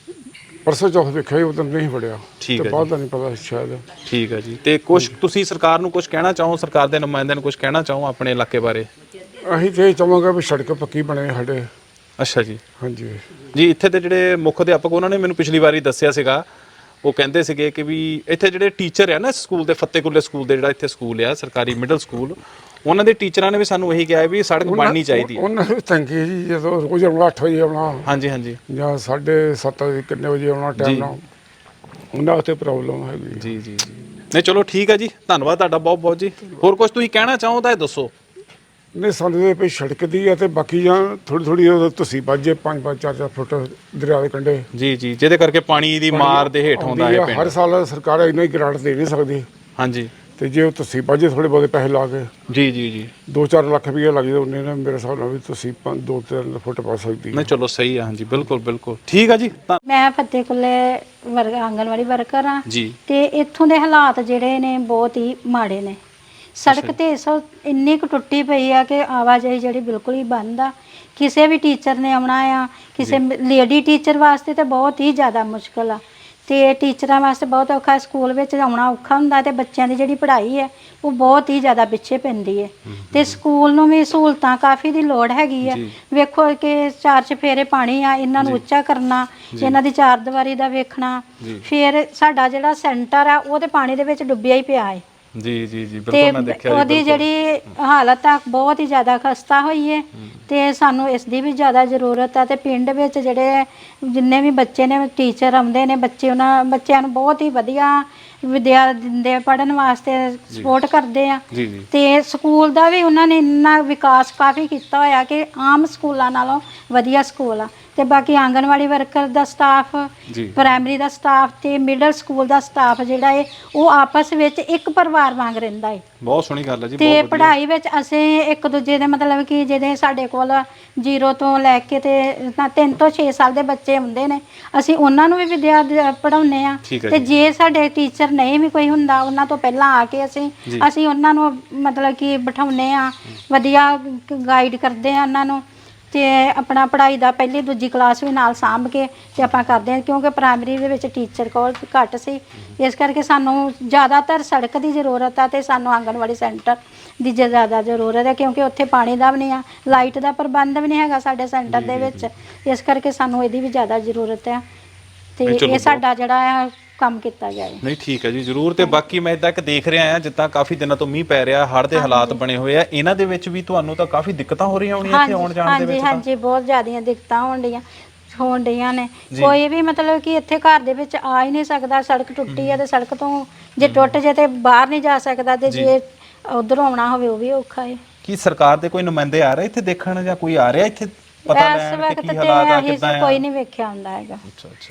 Speaker 8: ਪਰਸੋਂ ਚੌਥ ਵੇਖਿਆ ਉਧਰ ਨਹੀਂ ਵੜਿਆ,
Speaker 1: ਠੀਕ
Speaker 8: ਤੇ
Speaker 1: ਹੈ
Speaker 8: ਬਾਅਦ ਦਾ ਨਹੀਂ ਪਤਾ ਸ਼ਾਇਦ।
Speaker 1: ਠੀਕ ਹੈ ਜੀ। ਤੇ ਕੁਝ ਤੁਸੀਂ ਸਰਕਾਰ ਨੂੰ ਕੁਝ ਕਹਿਣਾ ਚਾਹੋ, ਸਰਕਾਰ ਦੇ ਨੁਮਾਇੰਦਿਆਂ ਨੂੰ ਕੁਝ ਕਹਿਣਾ ਚਾਹੋ ਆਪਣੇ ਇਲਾਕੇ ਬਾਰੇ?
Speaker 8: ਅਸੀਂ ਤੇ ਇਹ ਚਾਹਾਂਗੇ ਵੀ ਸੜਕ ਪੱਕੀ ਬਣੇ ਸਾਡੇ।
Speaker 1: ਅੱਛਾ ਜੀ।
Speaker 8: ਹਾਂਜੀ
Speaker 1: ਜੀ, ਇੱਥੇ ਦੇ ਜਿਹੜੇ ਮੁੱਖ ਅਧਿਆਪਕ, ਉਹਨਾਂ ਨੇ ਮੈਨੂੰ ਪਿਛਲੀ ਵਾਰੀ ਦੱਸਿਆ ਸੀਗਾ, ਉਹ ਕਹਿੰਦੇ ਸੀਗੇ ਕਿ ਵੀ ਇੱਥੇ ਜਿਹੜੇ ਟੀਚਰ ਆ ਨਾ ਸਕੂਲ ਦੇ, ਫਤਿਹਕੁੱਲੇ ਸਕੂਲ ਦੇ, ਜਿਹੜਾ ਇੱਥੇ ਸਕੂਲ ਆ ਸਰਕਾਰੀ ਮਿਡਲ ਸਕੂਲ, ਉਹਨਾਂ ਦੇ ਟੀਚਰਾਂ ਨੇ ਵੀ ਸਾਨੂੰ ਇਹੀ ਕਿਹਾ ਵੀ ਸੜਕ ਬਣਨੀ ਚਾਹੀਦੀ ਹੈ।
Speaker 8: ਉਹਨਾਂ ਨੂੰ ਤੰਗੀ ਹੈ ਜੀ, ਜਦੋਂ ਰੋਜ਼ ਆਉਣਾ ਅੱਠ ਵਜੇ ਆਉਣਾ,
Speaker 1: ਹਾਂਜੀ ਹਾਂਜੀ,
Speaker 8: ਜਾਂ ਸਾਢੇ ਸੱਤ ਵਜੇ ਕਿੰਨੇ ਵਜੇ ਆਉਣਾ ਟਾਈਮ ਨਾਲ, ਉਹਨਾਂ ਉੱਤੇ ਪ੍ਰੋਬਲਮ ਹੈਗੀ।
Speaker 1: ਜੀ ਜੀ ਜੀ। ਨਹੀਂ ਚਲੋ ਠੀਕ ਹੈ ਜੀ, ਧੰਨਵਾਦ ਤੁਹਾਡਾ ਬਹੁਤ ਬਹੁਤ ਜੀ। ਹੋਰ ਕੁਝ ਤੁਸੀਂ ਕਹਿਣਾ ਚਾਹੋ ਤਾਂ ਇਹ ਦੱਸੋ।
Speaker 8: ਨਹੀਂ, ਸਾਨੂੰ ਤੇ ਵੀ ਸੜਕ ਦੀ ਆ, ਤੇ ਬਾਕੀ ਜਾਂ ਥੋੜੀ ਥੋੜੀ ਤੁਸੀਂ ਵੱਜੇ ਪੰਜ ਪੰਜ ਚਾਰ ਚਾਰ ਫੁੱਟ ਦਰਿਆ ਦੇ ਕੰਢੇ।
Speaker 1: ਜੀ ਜੀ, ਜਿਹਦੇ ਕਰਕੇ ਪਾਣੀ ਦੀ ਮਾਰ ਦੇ ਹੇਠ ਆਉਂਦਾ ਹੈ ਪਿੰਡ।
Speaker 8: ਹਰ ਸਾਲ ਸਰਕਾਰ ਇੰਨਾ ਹੀ ਗ੍ਰਾਂਟ ਦੇ ਨਹੀਂ ਸਕਦੀ,
Speaker 1: ਹਾਂਜੀ।
Speaker 8: ਤੇ ਜੇ ਤੁਸੀਂ ਵੱਜੇ ਥੋੜੇ ਬਹੁਤੇ ਪੈਸੇ ਲਾ ਕੇ,
Speaker 1: ਜੀ ਜੀ ਜੀ,
Speaker 8: ਦੋ ਚਾਰ ਲੱਖ ਰੁਪਏ ਲੱਗ ਜਾਏ, ਉਹਨੇ ਨਾ ਮੇਰੇ ਹਿਸਾਬ ਨਾਲ ਵੀ ਤੁਸੀਂ ਪੰਜ ਦੋ ਤਿੰਨ ਫੁੱਟ ਪਾ ਸਕਦੀ।
Speaker 1: ਨਹੀਂ ਚਲੋ ਸਹੀ ਆ, ਹਾਂਜੀ ਬਿਲਕੁਲ ਬਿਲਕੁਲ ਠੀਕ ਆ ਜੀ। ਤਾਂ
Speaker 9: ਮੈਂ ਫਤਿਹਕੁੱਲੇ ਵਰਗ ਆਂਗਨਵਾੜੀ ਵਰਕਰ ਆ
Speaker 1: ਜੀ।
Speaker 9: ਤੇ ਇੱਥੋਂ ਦੇ ਹਾਲਾਤ ਜਿਹੜੇ ਨੇ ਬਹੁਤ ਹੀ ਮਾੜੇ ਨੇ। ਸੜਕ ਤੇ ਇਸ ਵਕਤ ਇੰਨੀ ਕੁ ਟੁੱਟੀ ਪਈ ਆ ਕਿ ਆਵਾਜਾਈ ਜਿਹੜੀ ਬਿਲਕੁਲ ਹੀ ਬੰਦ ਆ। ਕਿਸੇ ਵੀ ਟੀਚਰ ਨੇ ਆਉਣਾ ਆ, ਕਿਸੇ ਲੇਡੀ ਟੀਚਰ ਵਾਸਤੇ ਤਾਂ ਬਹੁਤ ਹੀ ਜ਼ਿਆਦਾ ਮੁਸ਼ਕਲ ਆ, ਤੇ ਟੀਚਰਾਂ ਵਾਸਤੇ ਬਹੁਤ ਔਖਾ। ਸਕੂਲ ਵਿੱਚ ਆਉਣਾ ਔਖਾ ਹੁੰਦਾ, ਤੇ ਬੱਚਿਆਂ ਦੀ ਜਿਹੜੀ ਪੜ੍ਹਾਈ ਹੈ ਉਹ ਬਹੁਤ ਹੀ ਜ਼ਿਆਦਾ ਪਿੱਛੇ ਪੈਂਦੀ ਹੈ। ਤੇ ਸਕੂਲ ਨੂੰ ਵੀ ਸਹੂਲਤਾਂ ਕਾਫੀ ਦੀ ਲੋੜ ਹੈਗੀ ਆ। ਵੇਖੋ ਕਿ ਚਾਰ ਚਫੇਰੇ ਪਾਣੀ ਆ, ਇਹਨਾਂ ਨੂੰ ਉੱਚਾ ਕਰਨਾ, ਇਹਨਾਂ ਦੀ ਚਾਰ ਦੀਵਾਰੀ ਦਾ ਵੇਖਣਾ, ਫਿਰ ਸਾਡਾ ਜਿਹੜਾ ਸੈਂਟਰ ਆ ਉਹ ਤੇ ਪਾਣੀ ਦੇ ਵਿੱਚ ਡੁੱਬਿਆ ਹੀ ਪਿਆ ਹੈ।
Speaker 1: ਜੀ ਜੀ ਜੀ,
Speaker 9: ਤੇ
Speaker 1: ਬਿਲਕੁਲ ਮੈਂ ਦੇਖਿਆ ਜੀ।
Speaker 9: ਉਹਦੀ ਜਿਹੜੀ ਹਾਲਤ ਆ ਬਹੁਤ ਹੀ ਜ਼ਿਆਦਾ ਖਸਤਾ ਹੋਈ ਹੈ, ਤੇ ਸਾਨੂੰ ਇਸ ਦੀ ਵੀ ਜ਼ਿਆਦਾ ਜ਼ਰੂਰਤ ਆ। ਤੇ ਪਿੰਡ ਵਿੱਚ ਜਿਹੜੇ ਜਿੰਨੇ ਵੀ ਬੱਚੇ ਨੇ, ਟੀਚਰ ਆਉਂਦੇ ਨੇ, ਬੱਚੇ ਉਹਨਾਂ ਬੱਚਿਆਂ ਨੂੰ ਬਹੁਤ ਹੀ ਵਧੀਆ ਵਿਦਿਆ ਦਿੰਦੇ, ਪੜ੍ਹਨ ਵਾਸਤੇ ਸਪੋਰਟ ਕਰਦੇ ਆ।
Speaker 1: ਜੀ ਜੀ,
Speaker 9: ਤੇ ਸਕੂਲ ਦਾ ਵੀ ਉਹਨਾਂ ਨੇ ਇੰਨਾ ਵਿਕਾਸ ਕਾਫੀ ਕੀਤਾ ਹੋਇਆ ਕਿ ਆਮ ਸਕੂਲਾਂ ਨਾਲੋਂ ਵਧੀਆ ਸਕੂਲ ਆ। ਤੇ ਬਾਕੀ ਆਂਗਨਵਾੜੀ ਵਰਕਰ ਦਾ ਸਟਾਫ, ਪ੍ਰਾਇਮਰੀ ਦਾ ਸਟਾਫ ਤੇ ਮਿਡਲ ਸਕੂਲ ਦਾ ਸਟਾਫ ਜਿਹੜਾ ਹੈ ਉਹ ਆਪਸ ਵਿੱਚ ਇੱਕ ਪਰਿਵਾਰ ਵਾਂਗ ਰਹਿੰਦਾ ਹੈ।
Speaker 1: ਬਹੁਤ ਸੋਹਣੀ ਗੱਲ ਹੈ ਜੀ।
Speaker 9: ਤੇ ਪੜ੍ਹਾਈ ਵਿੱਚ ਅਸੀਂ ਇੱਕ ਦੂਜੇ ਦੇ ਮਤਲਬ ਕਿ ਜਿਹਦੇ ਸਾਡੇ ਕੋਲ ਜ਼ੀਰੋ ਤੋਂ ਲੈ ਕੇ ਤੇ ਤਿੰਨ ਤੋਂ ਛੇ ਸਾਲ ਦੇ ਬੱਚੇ ਹੁੰਦੇ ਨੇ, ਅਸੀਂ ਉਹਨਾਂ ਨੂੰ ਵੀ ਵਿਦਿਆ ਪੜ੍ਹਾਉਂਦੇ ਆ। ਤੇ ਜੇ ਸਾਡੇ ਟੀਚਰ ਨਹੀਂ ਵੀ ਕੋਈ ਹੁੰਦਾ, ਉਹਨਾਂ ਤੋਂ ਪਹਿਲਾਂ ਆ ਕੇ ਅਸੀਂ ਅਸੀਂ ਉਹਨਾਂ ਨੂੰ ਮਤਲਬ ਕਿ ਬਿਠਾਉਂਦੇ ਆ, ਵਧੀਆ ਗਾਈਡ ਕਰਦੇ ਆ ਉਹਨਾਂ ਨੂੰ, ਤੇ ਆਪਣਾ ਪੜ੍ਹਾਈ ਦਾ ਪਹਿਲੀ ਦੂਜੀ ਕਲਾਸ ਵੀ ਨਾਲ ਸਾਂਭ ਕੇ ਤੇ ਆਪਾਂ ਕਰਦੇ ਹਾਂ। ਕਿਉਂਕਿ ਪ੍ਰਾਇਮਰੀ ਦੇ ਵਿੱਚ ਟੀਚਰ ਕੋਲ ਘੱਟ ਸੀ, ਇਸ ਕਰਕੇ ਸਾਨੂੰ ਜ਼ਿਆਦਾਤਰ ਸੜਕ ਦੀ ਜ਼ਰੂਰਤ ਆ, ਤੇ ਸਾਨੂੰ ਆਂਗਨਵਾੜੀ ਸੈਂਟਰ ਦੀ ਜ਼ਿਆਦਾ ਜ਼ਰੂਰਤ ਹੈ, ਕਿਉਂਕਿ ਉੱਥੇ ਪਾਣੀ ਦਾ ਵੀ ਨਹੀਂ ਆ, ਲਾਈਟ ਦਾ ਪ੍ਰਬੰਧ ਵੀ ਨਹੀਂ ਹੈਗਾ ਸਾਡੇ ਸੈਂਟਰ ਦੇ ਵਿੱਚ, ਇਸ ਕਰਕੇ ਸਾਨੂੰ ਇਹਦੀ ਵੀ ਜ਼ਿਆਦਾ ਜ਼ਰੂਰਤ ਹੈ। ਤੇ ਇਹ ਸਾਡਾ ਜਿਹੜਾ ਆ ਕੰਮ ਕੀਤਾ ਜਾਏ।
Speaker 1: ਨਹੀਂ ਠੀਕ ਹੈ ਜੀ, ਜ਼ਰੂਰ। ਤੇ ਬਾਕੀ ਮੈਂ ਇਦਾਂ ਕਿ ਦੇਖ ਰਿਹਾ ਆ, ਜਿੱਦਾਂ ਕਾਫੀ ਦਿਨਾਂ ਤੋਂ ਮੀਂਹ ਪੈ ਰਿਹਾ, ਹੜ੍ਹ ਦੇ ਹਾਲਾਤ ਬਣੇ ਹੋਏ ਆ, ਇਹਨਾਂ ਦੇ ਵਿੱਚ ਵੀ ਤੁਹਾਨੂੰ ਤਾਂ ਕਾਫੀ ਦਿੱਕਤਾਂ ਹੋ ਰਹੀਆਂ ਹੋਣੀਆਂ ਇੱਥੇ ਆਉਣ ਜਾਣ ਦੇ ਵਿੱਚ?
Speaker 9: ਹਾਂਜੀ ਹਾਂਜੀ, ਬਹੁਤ ਜ਼ਿਆਦੀਆਂ ਦਿੱਕਤਾਂ ਹੋਣ ਡੀਆਂ ਹੋਣ ਡੀਆਂ ਨੇ। ਕੋਈ ਵੀ ਮਤਲਬ ਕਿ ਇੱਥੇ ਘਰ ਦੇ ਵਿੱਚ ਆ ਹੀ ਨਹੀਂ ਸਕਦਾ, ਸੜਕ ਟੁੱਟੀ ਹੈ, ਤੇ ਸੜਕ ਤੋਂ ਜੇ ਟੁੱਟ ਜੇ ਤੇ ਬਾਹਰ ਨਹੀਂ ਜਾ ਸਕਦਾ, ਤੇ ਜੇ ਉਧਰੋਂ ਆਉਣਾ ਹੋਵੇ ਉਹ ਵੀ ਔਖਾ ਹੈ।
Speaker 1: ਕੀ ਸਰਕਾਰ ਦੇ ਕੋਈ ਨੁਮਾਇੰਦੇ ਆ ਰਹੇ ਇੱਥੇ ਦੇਖਣ, ਜਾਂ ਕੋਈ ਆ ਰਿਹਾ ਇੱਥੇ ਪਤਾ ਲੈਣ ਕਿ ਕੀ ਹਾਲਾਤ ਆ, ਕਿੱਦਾਂ ਆ?
Speaker 9: ਕੋਈ ਨਹੀਂ ਵੇਖਿਆ ਹੁੰਦਾ ਹੈਗਾ।
Speaker 1: ਅੱਛਾ ਅੱਛਾ,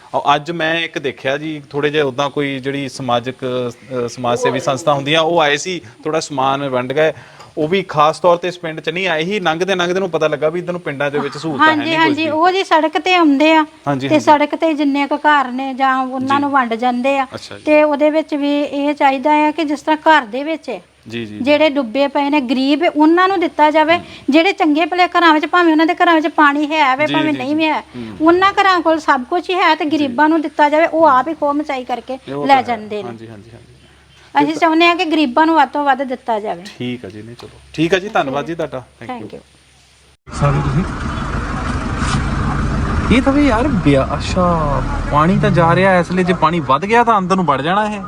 Speaker 1: ਔਰ ਅੱਜ ਮੈਂ ਇੱਕ ਦੇਖਿਆ ਜੀ ਥੋੜੇ ਜਿਹਾ ਉਦਾਂ ਕੋਈ ਜਿਹੜੀ ਸਮਾਜਿਕ ਅ, ਸਮਾਜ ਸੇਵੀ ਸੰਸਥਾ ਹੁੰਦੀਆਂ ਉਹ ਆਏ ਸੀ, ਥੋੜਾ ਸਮਾਨ ਵੰਡ ਗਏ। ਉਹ ਵੀ ਖਾਸ ਤੌਰ ਤੇ ਇਸ ਪਿੰਡ 'ਚ ਨਹੀਂ ਆਏ ਹੀ, ਲੰਘਦੇ ਲੰਘਦੇ ਨੂੰ ਪਤਾ ਲੱਗਾ ਵੀ ਇੱਧਰ ਨੂੰ ਪਿੰਡਾਂ ਦੇ ਵਿੱਚ ਸਹੂਲਤਾਂ ਹੈ
Speaker 9: ਹਾਂਜੀ
Speaker 1: ਨਹੀਂ
Speaker 9: ਹਾਂਜੀ ਉਹ ਜੀ ਸੜਕ ਤੇ ਆਉਂਦੇ ਆ
Speaker 1: ਹਾਂਜੀ,
Speaker 9: ਤੇ
Speaker 1: ਹਾਂਜੀ।
Speaker 9: ਸੜਕ ਤੇ ਜਿੰਨੇ ਕੁ ਘਰ ਨੇ ਜਾਂ ਉਹਨਾਂ ਨੂੰ ਵੰਡ ਜਾਂਦੇ ਆ।
Speaker 1: ਅੱਛਾ ਜੀ।
Speaker 9: ਤੇ ਉਹਦੇ ਵਿੱਚ ਵੀ ਇਹ ਚਾਹੀਦਾ ਹੈ ਕਿ ਜਿਸ ਤਰ੍ਹਾਂ ਘਰ ਦੇ ਵਿੱਚ
Speaker 1: ਜੀ ਜੀ
Speaker 9: ਜਿਹੜੇ ਡੁੱਬੇ ਪਏ ਨੇ ਗਰੀਬ ਹੈ, ਉਹਨਾਂ ਨੂੰ ਦਿੱਤਾ ਜਾਵੇ। ਜਿਹੜੇ ਚੰਗੇ ਭਲੇ ਘਰਾਂ ਵਿੱਚ ਭਾਵੇਂ ਉਹਨਾਂ ਦੇ ਘਰਾਂ ਵਿੱਚ ਪਾਣੀ ਹੈ ਵੇ
Speaker 1: ਜੀ,
Speaker 9: ਭਾਵੇਂ
Speaker 1: ਜੀ,
Speaker 9: ਨਹੀਂ ਵੀ ਹੈ, ਉਹਨਾਂ ਘਰਾਂ ਕੋਲ ਸਭ ਕੁਝ ਹੀ ਹੈ ਤੇ ਗਰੀਬਾਂ ਨੂੰ ਦਿੱਤਾ ਜਾਵੇ। ਉਹ ਆਪ ਹੀ ਖੋਹ ਮਚਾਈ ਕਰਕੇ
Speaker 1: ਉਹ
Speaker 9: ਲੈ
Speaker 1: ਤਾਂ ਹੈ।
Speaker 9: ਜਾਂਦੇ ਨੇ।
Speaker 1: ਹਾਂਜੀ ਹਾਂਜੀ ਹਾਂਜੀ
Speaker 9: ਅਸੀਂ ਚਾਹੁੰਦੇ ਹਾਂ ਕਿ ਗਰੀਬਾਂ ਨੂੰ ਵੱਧ ਤੋਂ ਵੱਧ ਦਿੱਤਾ ਜਾਵੇ।
Speaker 1: ਠੀਕ ਹੈ ਜੀ, ਨਹੀਂ ਚਲੋ ਠੀਕ ਹੈ ਜੀ, ਧੰਨਵਾਦ ਜੀ ਤੁਹਾਡਾ, ਥੈਂਕ
Speaker 9: ਥੈਂਕ
Speaker 1: ਯੂ।
Speaker 9: ਯੂ।
Speaker 2: ਸਾਰੇ ਤੁਸੀਂ
Speaker 1: ਇਹ ਤਾਂ ਵੀ ਯਾਰ ਬਿਆ ਅੱਛਾ ਪਾਣੀ ਤਾਂ ਜਾ ਰਿਹਾ ਇਸ ਲਈ, ਜੇ ਪਾਣੀ ਵੱਧ ਗਿਆ ਤਾਂ ਅੰਦਰ ਨੂੰ ਵੜ ਜਾਣਾ ਇਹ।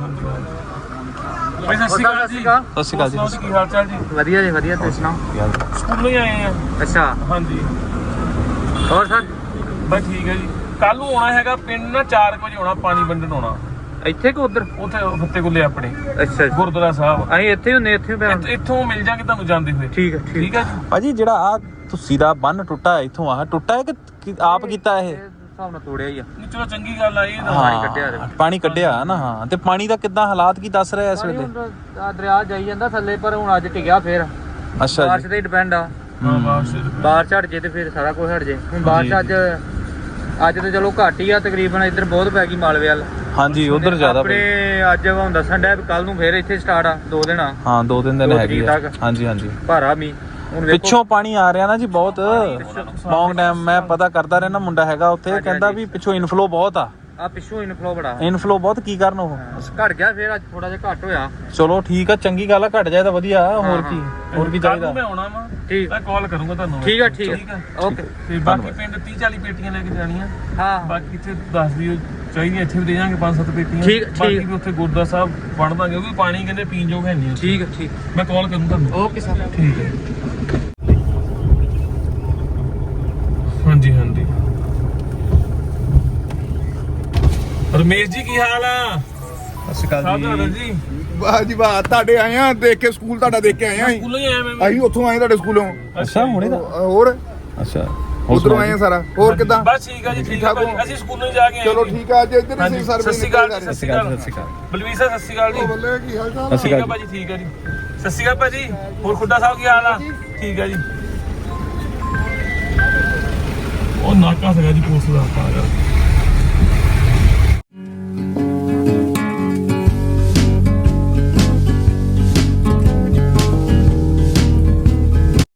Speaker 2: ਭਾਈ ਸਤਿ ਸ਼੍ਰੀ ਅਕਾਲ ਜੀ।
Speaker 1: ਸਤਿ ਸ਼੍ਰੀ ਅਕਾਲ ਜੀ।
Speaker 2: ਹੋਰ ਸੁਣਾਓ ਕੀ ਹਾਲ ਚਾਲ ਜੀ?
Speaker 4: ਵਧੀਆ ਜੀ ਵਧੀਆ, ਤੁਸੀਂ ਸੁਣਾਓ?
Speaker 2: ਸਕੂਲੋਂ ਹੀ ਆਏ ਆ।
Speaker 4: ਅੱਛਾ,
Speaker 2: ਹਾਂਜੀ
Speaker 4: ਹੋਰ ਸਰ
Speaker 2: ਬਸ ਠੀਕ ਹੈ ਜੀ। ਕੱਲ ਨੂੰ ਆਉਣਾ ਹੈਗਾ ਪਿੰਡ ਨਾ, ਚਾਰ ਵਜੇ ਆਉਣਾ, ਪਾਣੀ ਵੰਡਣ ਆਉਣਾ
Speaker 4: ਇੱਥੇ ਕੋ ਉਧਰ?
Speaker 2: ਉੱਥੇ ਫੱਤੇ ਕੁੱਲੇ ਆਪਣੇ
Speaker 4: ਅੱਛਾ ਜੀ,
Speaker 2: ਗੁਰਦੁਆਰਾ ਸਾਹਿਬ।
Speaker 4: ਅਸੀਂ ਇੱਥੇ ਹੁੰਨੇ, ਇੱਥੇ
Speaker 2: ਇੱਥ- ਇੱਥੋਂ ਮਿਲ ਜਾਗੇ ਤੁਹਾਨੂੰ ਜਾਂਦੇ ਹੋਏ।
Speaker 4: ਠੀਕ ਹੈ
Speaker 2: ਠੀਕ ਹੈ ਜੀ।
Speaker 1: ਭਾਜੀ ਜਿਹੜਾ ਆ ਤੁਸੀਂ ਦਾ ਬੰਨ ਟੁੱਟਾ ਹੈ ਇੱਥੋਂ ਆ ਟੁੱਟਾ ਹੈ ਕਿ ਕਿ ਆਪ ਕੀਤਾ ਇਹ?
Speaker 4: ਹਿਸਾਬ ਨਾਲ ਤੋੜਿਆ ਹੀ ਆ।
Speaker 2: ਨਹੀਂ ਚਲੋ ਚੰਗੀ ਗੱਲ ਆ ਇਹ ਤਾਂ।
Speaker 1: ਹਾਂ,
Speaker 4: ਕੱਢਿਆ
Speaker 1: ਪਾਣੀ ਕੱਢਿਆ ਨਾ। ਹਾਂ, ਤੇ ਪਾਣੀ ਦਾ ਕਿੱਦਾਂ ਹਾਲਾਤ ਕੀ ਦੱਸ ਰਿਹਾ ਇਸ ਵੇਲੇ?
Speaker 4: ਆ ਦਰਿਆ ਜਾਈ ਜਾਂਦਾ ਥੱਲੇ, ਪਰ ਹੁਣ ਅੱਜ ਟਿਕਿਆ ਫੇਰ।
Speaker 1: ਅੱਛਾ
Speaker 4: ਬਾਰਿਸ਼
Speaker 1: ਜੀ।
Speaker 4: ਤੇ ਡਿਪੈਂਡ ਆ।
Speaker 2: ਹਾਂ ਬਾਸ
Speaker 4: ਬਾਰਿਸ਼ ਹਟ ਜੇ ਤੇ ਫਿਰ ਸਾਰਾ ਕੁਝ ਹਟ ਜੇ। ਹੁਣ ਬਾਰਿਸ਼ ਅੱਜ ਅੱਜ ਤੇ ਚਲੋ ਘੱਟ ਹੀ ਆ ਤਕਰੀਬਨ, ਇੱਧਰ ਬਹੁਤ ਪੈ ਗਈ ਮਾਲਵੇ ਵੱਲ।
Speaker 1: ਹਾਂਜੀ ਉਧਰ ਜ਼ਿਆਦਾ
Speaker 4: ਆਪਣੇ ਅੱਜ ਹੁਣ ਦੱਸਣ ਡਿਆ ਵੀ ਕੱਲ ਨੂੰ ਫੇਰ ਇੱਥੇ ਸਟਾਰਟ ਆ, ਦੋ ਦਿਨ ਆ
Speaker 1: ਹਾਂ, ਦੋ ਤਿੰਨ ਦਿਨ
Speaker 4: ਦੋ
Speaker 1: ਹੈਗੀ
Speaker 4: ਤਰੀਕ
Speaker 1: ਆ।
Speaker 4: ਤੱਕ।
Speaker 1: ਹਾਂਜੀ ਹਾਂਜੀ
Speaker 4: ਭਾਰਾ ਮੀ ਹੁਣ ਵੇਖੋ।
Speaker 1: ਪਿੱਛੋਂ ਪਾਣੀ ਆ ਰਿਹਾ ਨਾ ਜੀ ਬਹੁਤ ਲੌਂਗ ਟਾਈਮ। ਮੈਂ ਪਤਾ ਕਰਦਾ ਰਹਿਣਾ, ਮੁੰਡਾ ਹੈਗਾ ਉੱਥੇ, ਕਹਿੰਦਾ ਵੀ ਪਿੱਛੋਂ ਇਨਫਲੋ ਬਹੁਤ ਆ।
Speaker 4: ਆ ਪਿੱਛੋਂ ਇਨਫਲੋ ਬੜਾ
Speaker 1: ਇਨਫਲੋ ਬਹੁਤ ਕੀ ਕਰਨ ਉਹ?
Speaker 4: ਘਟ ਗਿਆ ਫੇਰ, ਅੱਜ ਥੋੜਾ ਜਿਹਾ ਘੱਟ ਹੋਇਆ।
Speaker 1: ਚਲੋ ਠੀਕ ਆ, ਚੰਗੀ ਗੱਲ ਆ, ਘਟ ਜਾਏ ਤਾਂ ਵਧੀਆ। ਹੋਰ ਕੀ ਹੋਰ ਕੀ
Speaker 2: ਕੱਲ
Speaker 1: ਚਾਹੀਦਾ?
Speaker 2: ਨੂੰ ਮੈਂ ਆਉਣਾ ਵਾ,
Speaker 4: ਠੀਕ
Speaker 2: ਮੈਂ ਕਾਲ ਕਰੂੰਗਾ ਤੁਹਾਨੂੰ।
Speaker 4: ਠੀਕ ਆ ਠੀਕ ਆ ਓਕੇ।
Speaker 2: ਤੇ ਬਾਕੀ ਪਿੰਡ ਤੀਹ ਚਾਲੀ ਪੇਟੀਆਂ ਲੈ ਕੇ ਜਾਣੀਆਂ।
Speaker 4: ਹਾਂ
Speaker 2: ਬਾਕੀ ਇੱਥੇ ਦੱਸ ਦਿਓ ਚਾਹੀਦੀਆਂ, ਇੱਥੇ ਵੀ ਦੇ ਜਾਾਂਗੇ ਪੰਜ ਸੱਤ ਪੇਟੀਆਂ।
Speaker 4: ਠੀਕ, ਠੀਕ।
Speaker 2: ਬਾਕੀ ਵੀ ਉੱਥੇ ਗੁਰਦੁਆਰਾ ਸਾਹਿਬ ਵੰਡ ਦਾਂਗੇ, ਉਹ ਵੀ ਪਾਣੀ ਕਹਿੰਦੇ ਪੀਣ ਯੋਗ ਹੈ ਨਹੀਂ।
Speaker 4: ਠੀਕ ਆ ਠੀਕ।
Speaker 2: ਮੈਂ ਕਾਲ ਕਰੂੰ ਤੁਹਾਨੂੰ।
Speaker 4: Okay sir.
Speaker 2: ਠੀਕ ਹੈ। ਹਾਂਜੀ ਹਾਂਜੀ। ਰਮੇਸ਼ ਜੀ ਕੀ ਹਾਲ ਆ?
Speaker 1: ਸਤਿ ਸ਼੍ਰੀ ਅਕਾਲ
Speaker 2: ਜੀ।
Speaker 5: ਵਾਹ ਜੀ ਵਾਹ, ਤੁਹਾਡੇ ਆਏ ਆ ਦੇਖ ਕੇ, ਸਕੂਲ ਤੁਹਾਡਾ ਦੇਖ ਕੇ ਆਏ ਆ ਅਸੀਂ।
Speaker 2: ਸਕੂਲੋਂ ਹੀ ਆਇਆ ਮੈਂ ਵੀ।
Speaker 5: ਅਸੀਂ ਉੱਥੋਂ ਆਏ ਤੁਹਾਡੇ ਸਕੂਲੋਂ।
Speaker 1: ਅੱਛਾ ਹੁਣੇ ਦਾ?
Speaker 5: ਹੋਰ
Speaker 1: ਅੱਛਾ
Speaker 5: ਉਧਰੋਂ ਆਏ ਆ ਸਾਰਾ। ਹੋਰ ਕਿੱਦਾਂ?
Speaker 2: ਬਸ ਠੀਕ ਆ ਜੀ, ਠੀਕ ਆ ਭਾਜੀ। ਅਸੀਂ ਸਕੂਲੋਂ ਹੀ ਜਾ ਕੇ ਆਏ
Speaker 5: ਚਲੋ
Speaker 2: ਜੀ।
Speaker 5: ਠੀਕ ਆ, ਅੱਜ ਇੱਧਰ ਹੀ
Speaker 2: ਹਾਂਜੀ,
Speaker 5: ਸੀ ਸਰ।
Speaker 2: ਸਤਿ ਸ਼੍ਰੀ ਅਕਾਲ ਜੀ, ਸਤਿ ਸ਼੍ਰੀ ਅਕਾਲ।
Speaker 1: ਸਤਿ ਸ਼੍ਰੀ ਅਕਾਲ।
Speaker 2: ਬਲਵੀਰ ਸਰ ਸਤਿ ਸ਼੍ਰੀ ਅਕਾਲ ਜੀ।
Speaker 5: ਬੱਲੇ ਕੀ ਹਾਲ ਚਾਲ?
Speaker 2: ਠੀਕ ਆ ਭਾਜੀ, ਠੀਕ ਆ ਜੀ। ਸਤਿ ਸ਼੍ਰੀ ਅਕਾਲ ਭਾਜੀ। ਹੋਰ ਖੁੱਡਾ ਸਾਹਿਬ ਕੀ ਹਾਲ ਆ? ਠੀਕ ਆ ਜੀ। ਉਹ ਨਾਕਾ ਸੀਗਾ ਜੀ ਪੁਲਿਸ ਦਾ, ਤਾਂ ਕਰਕੇ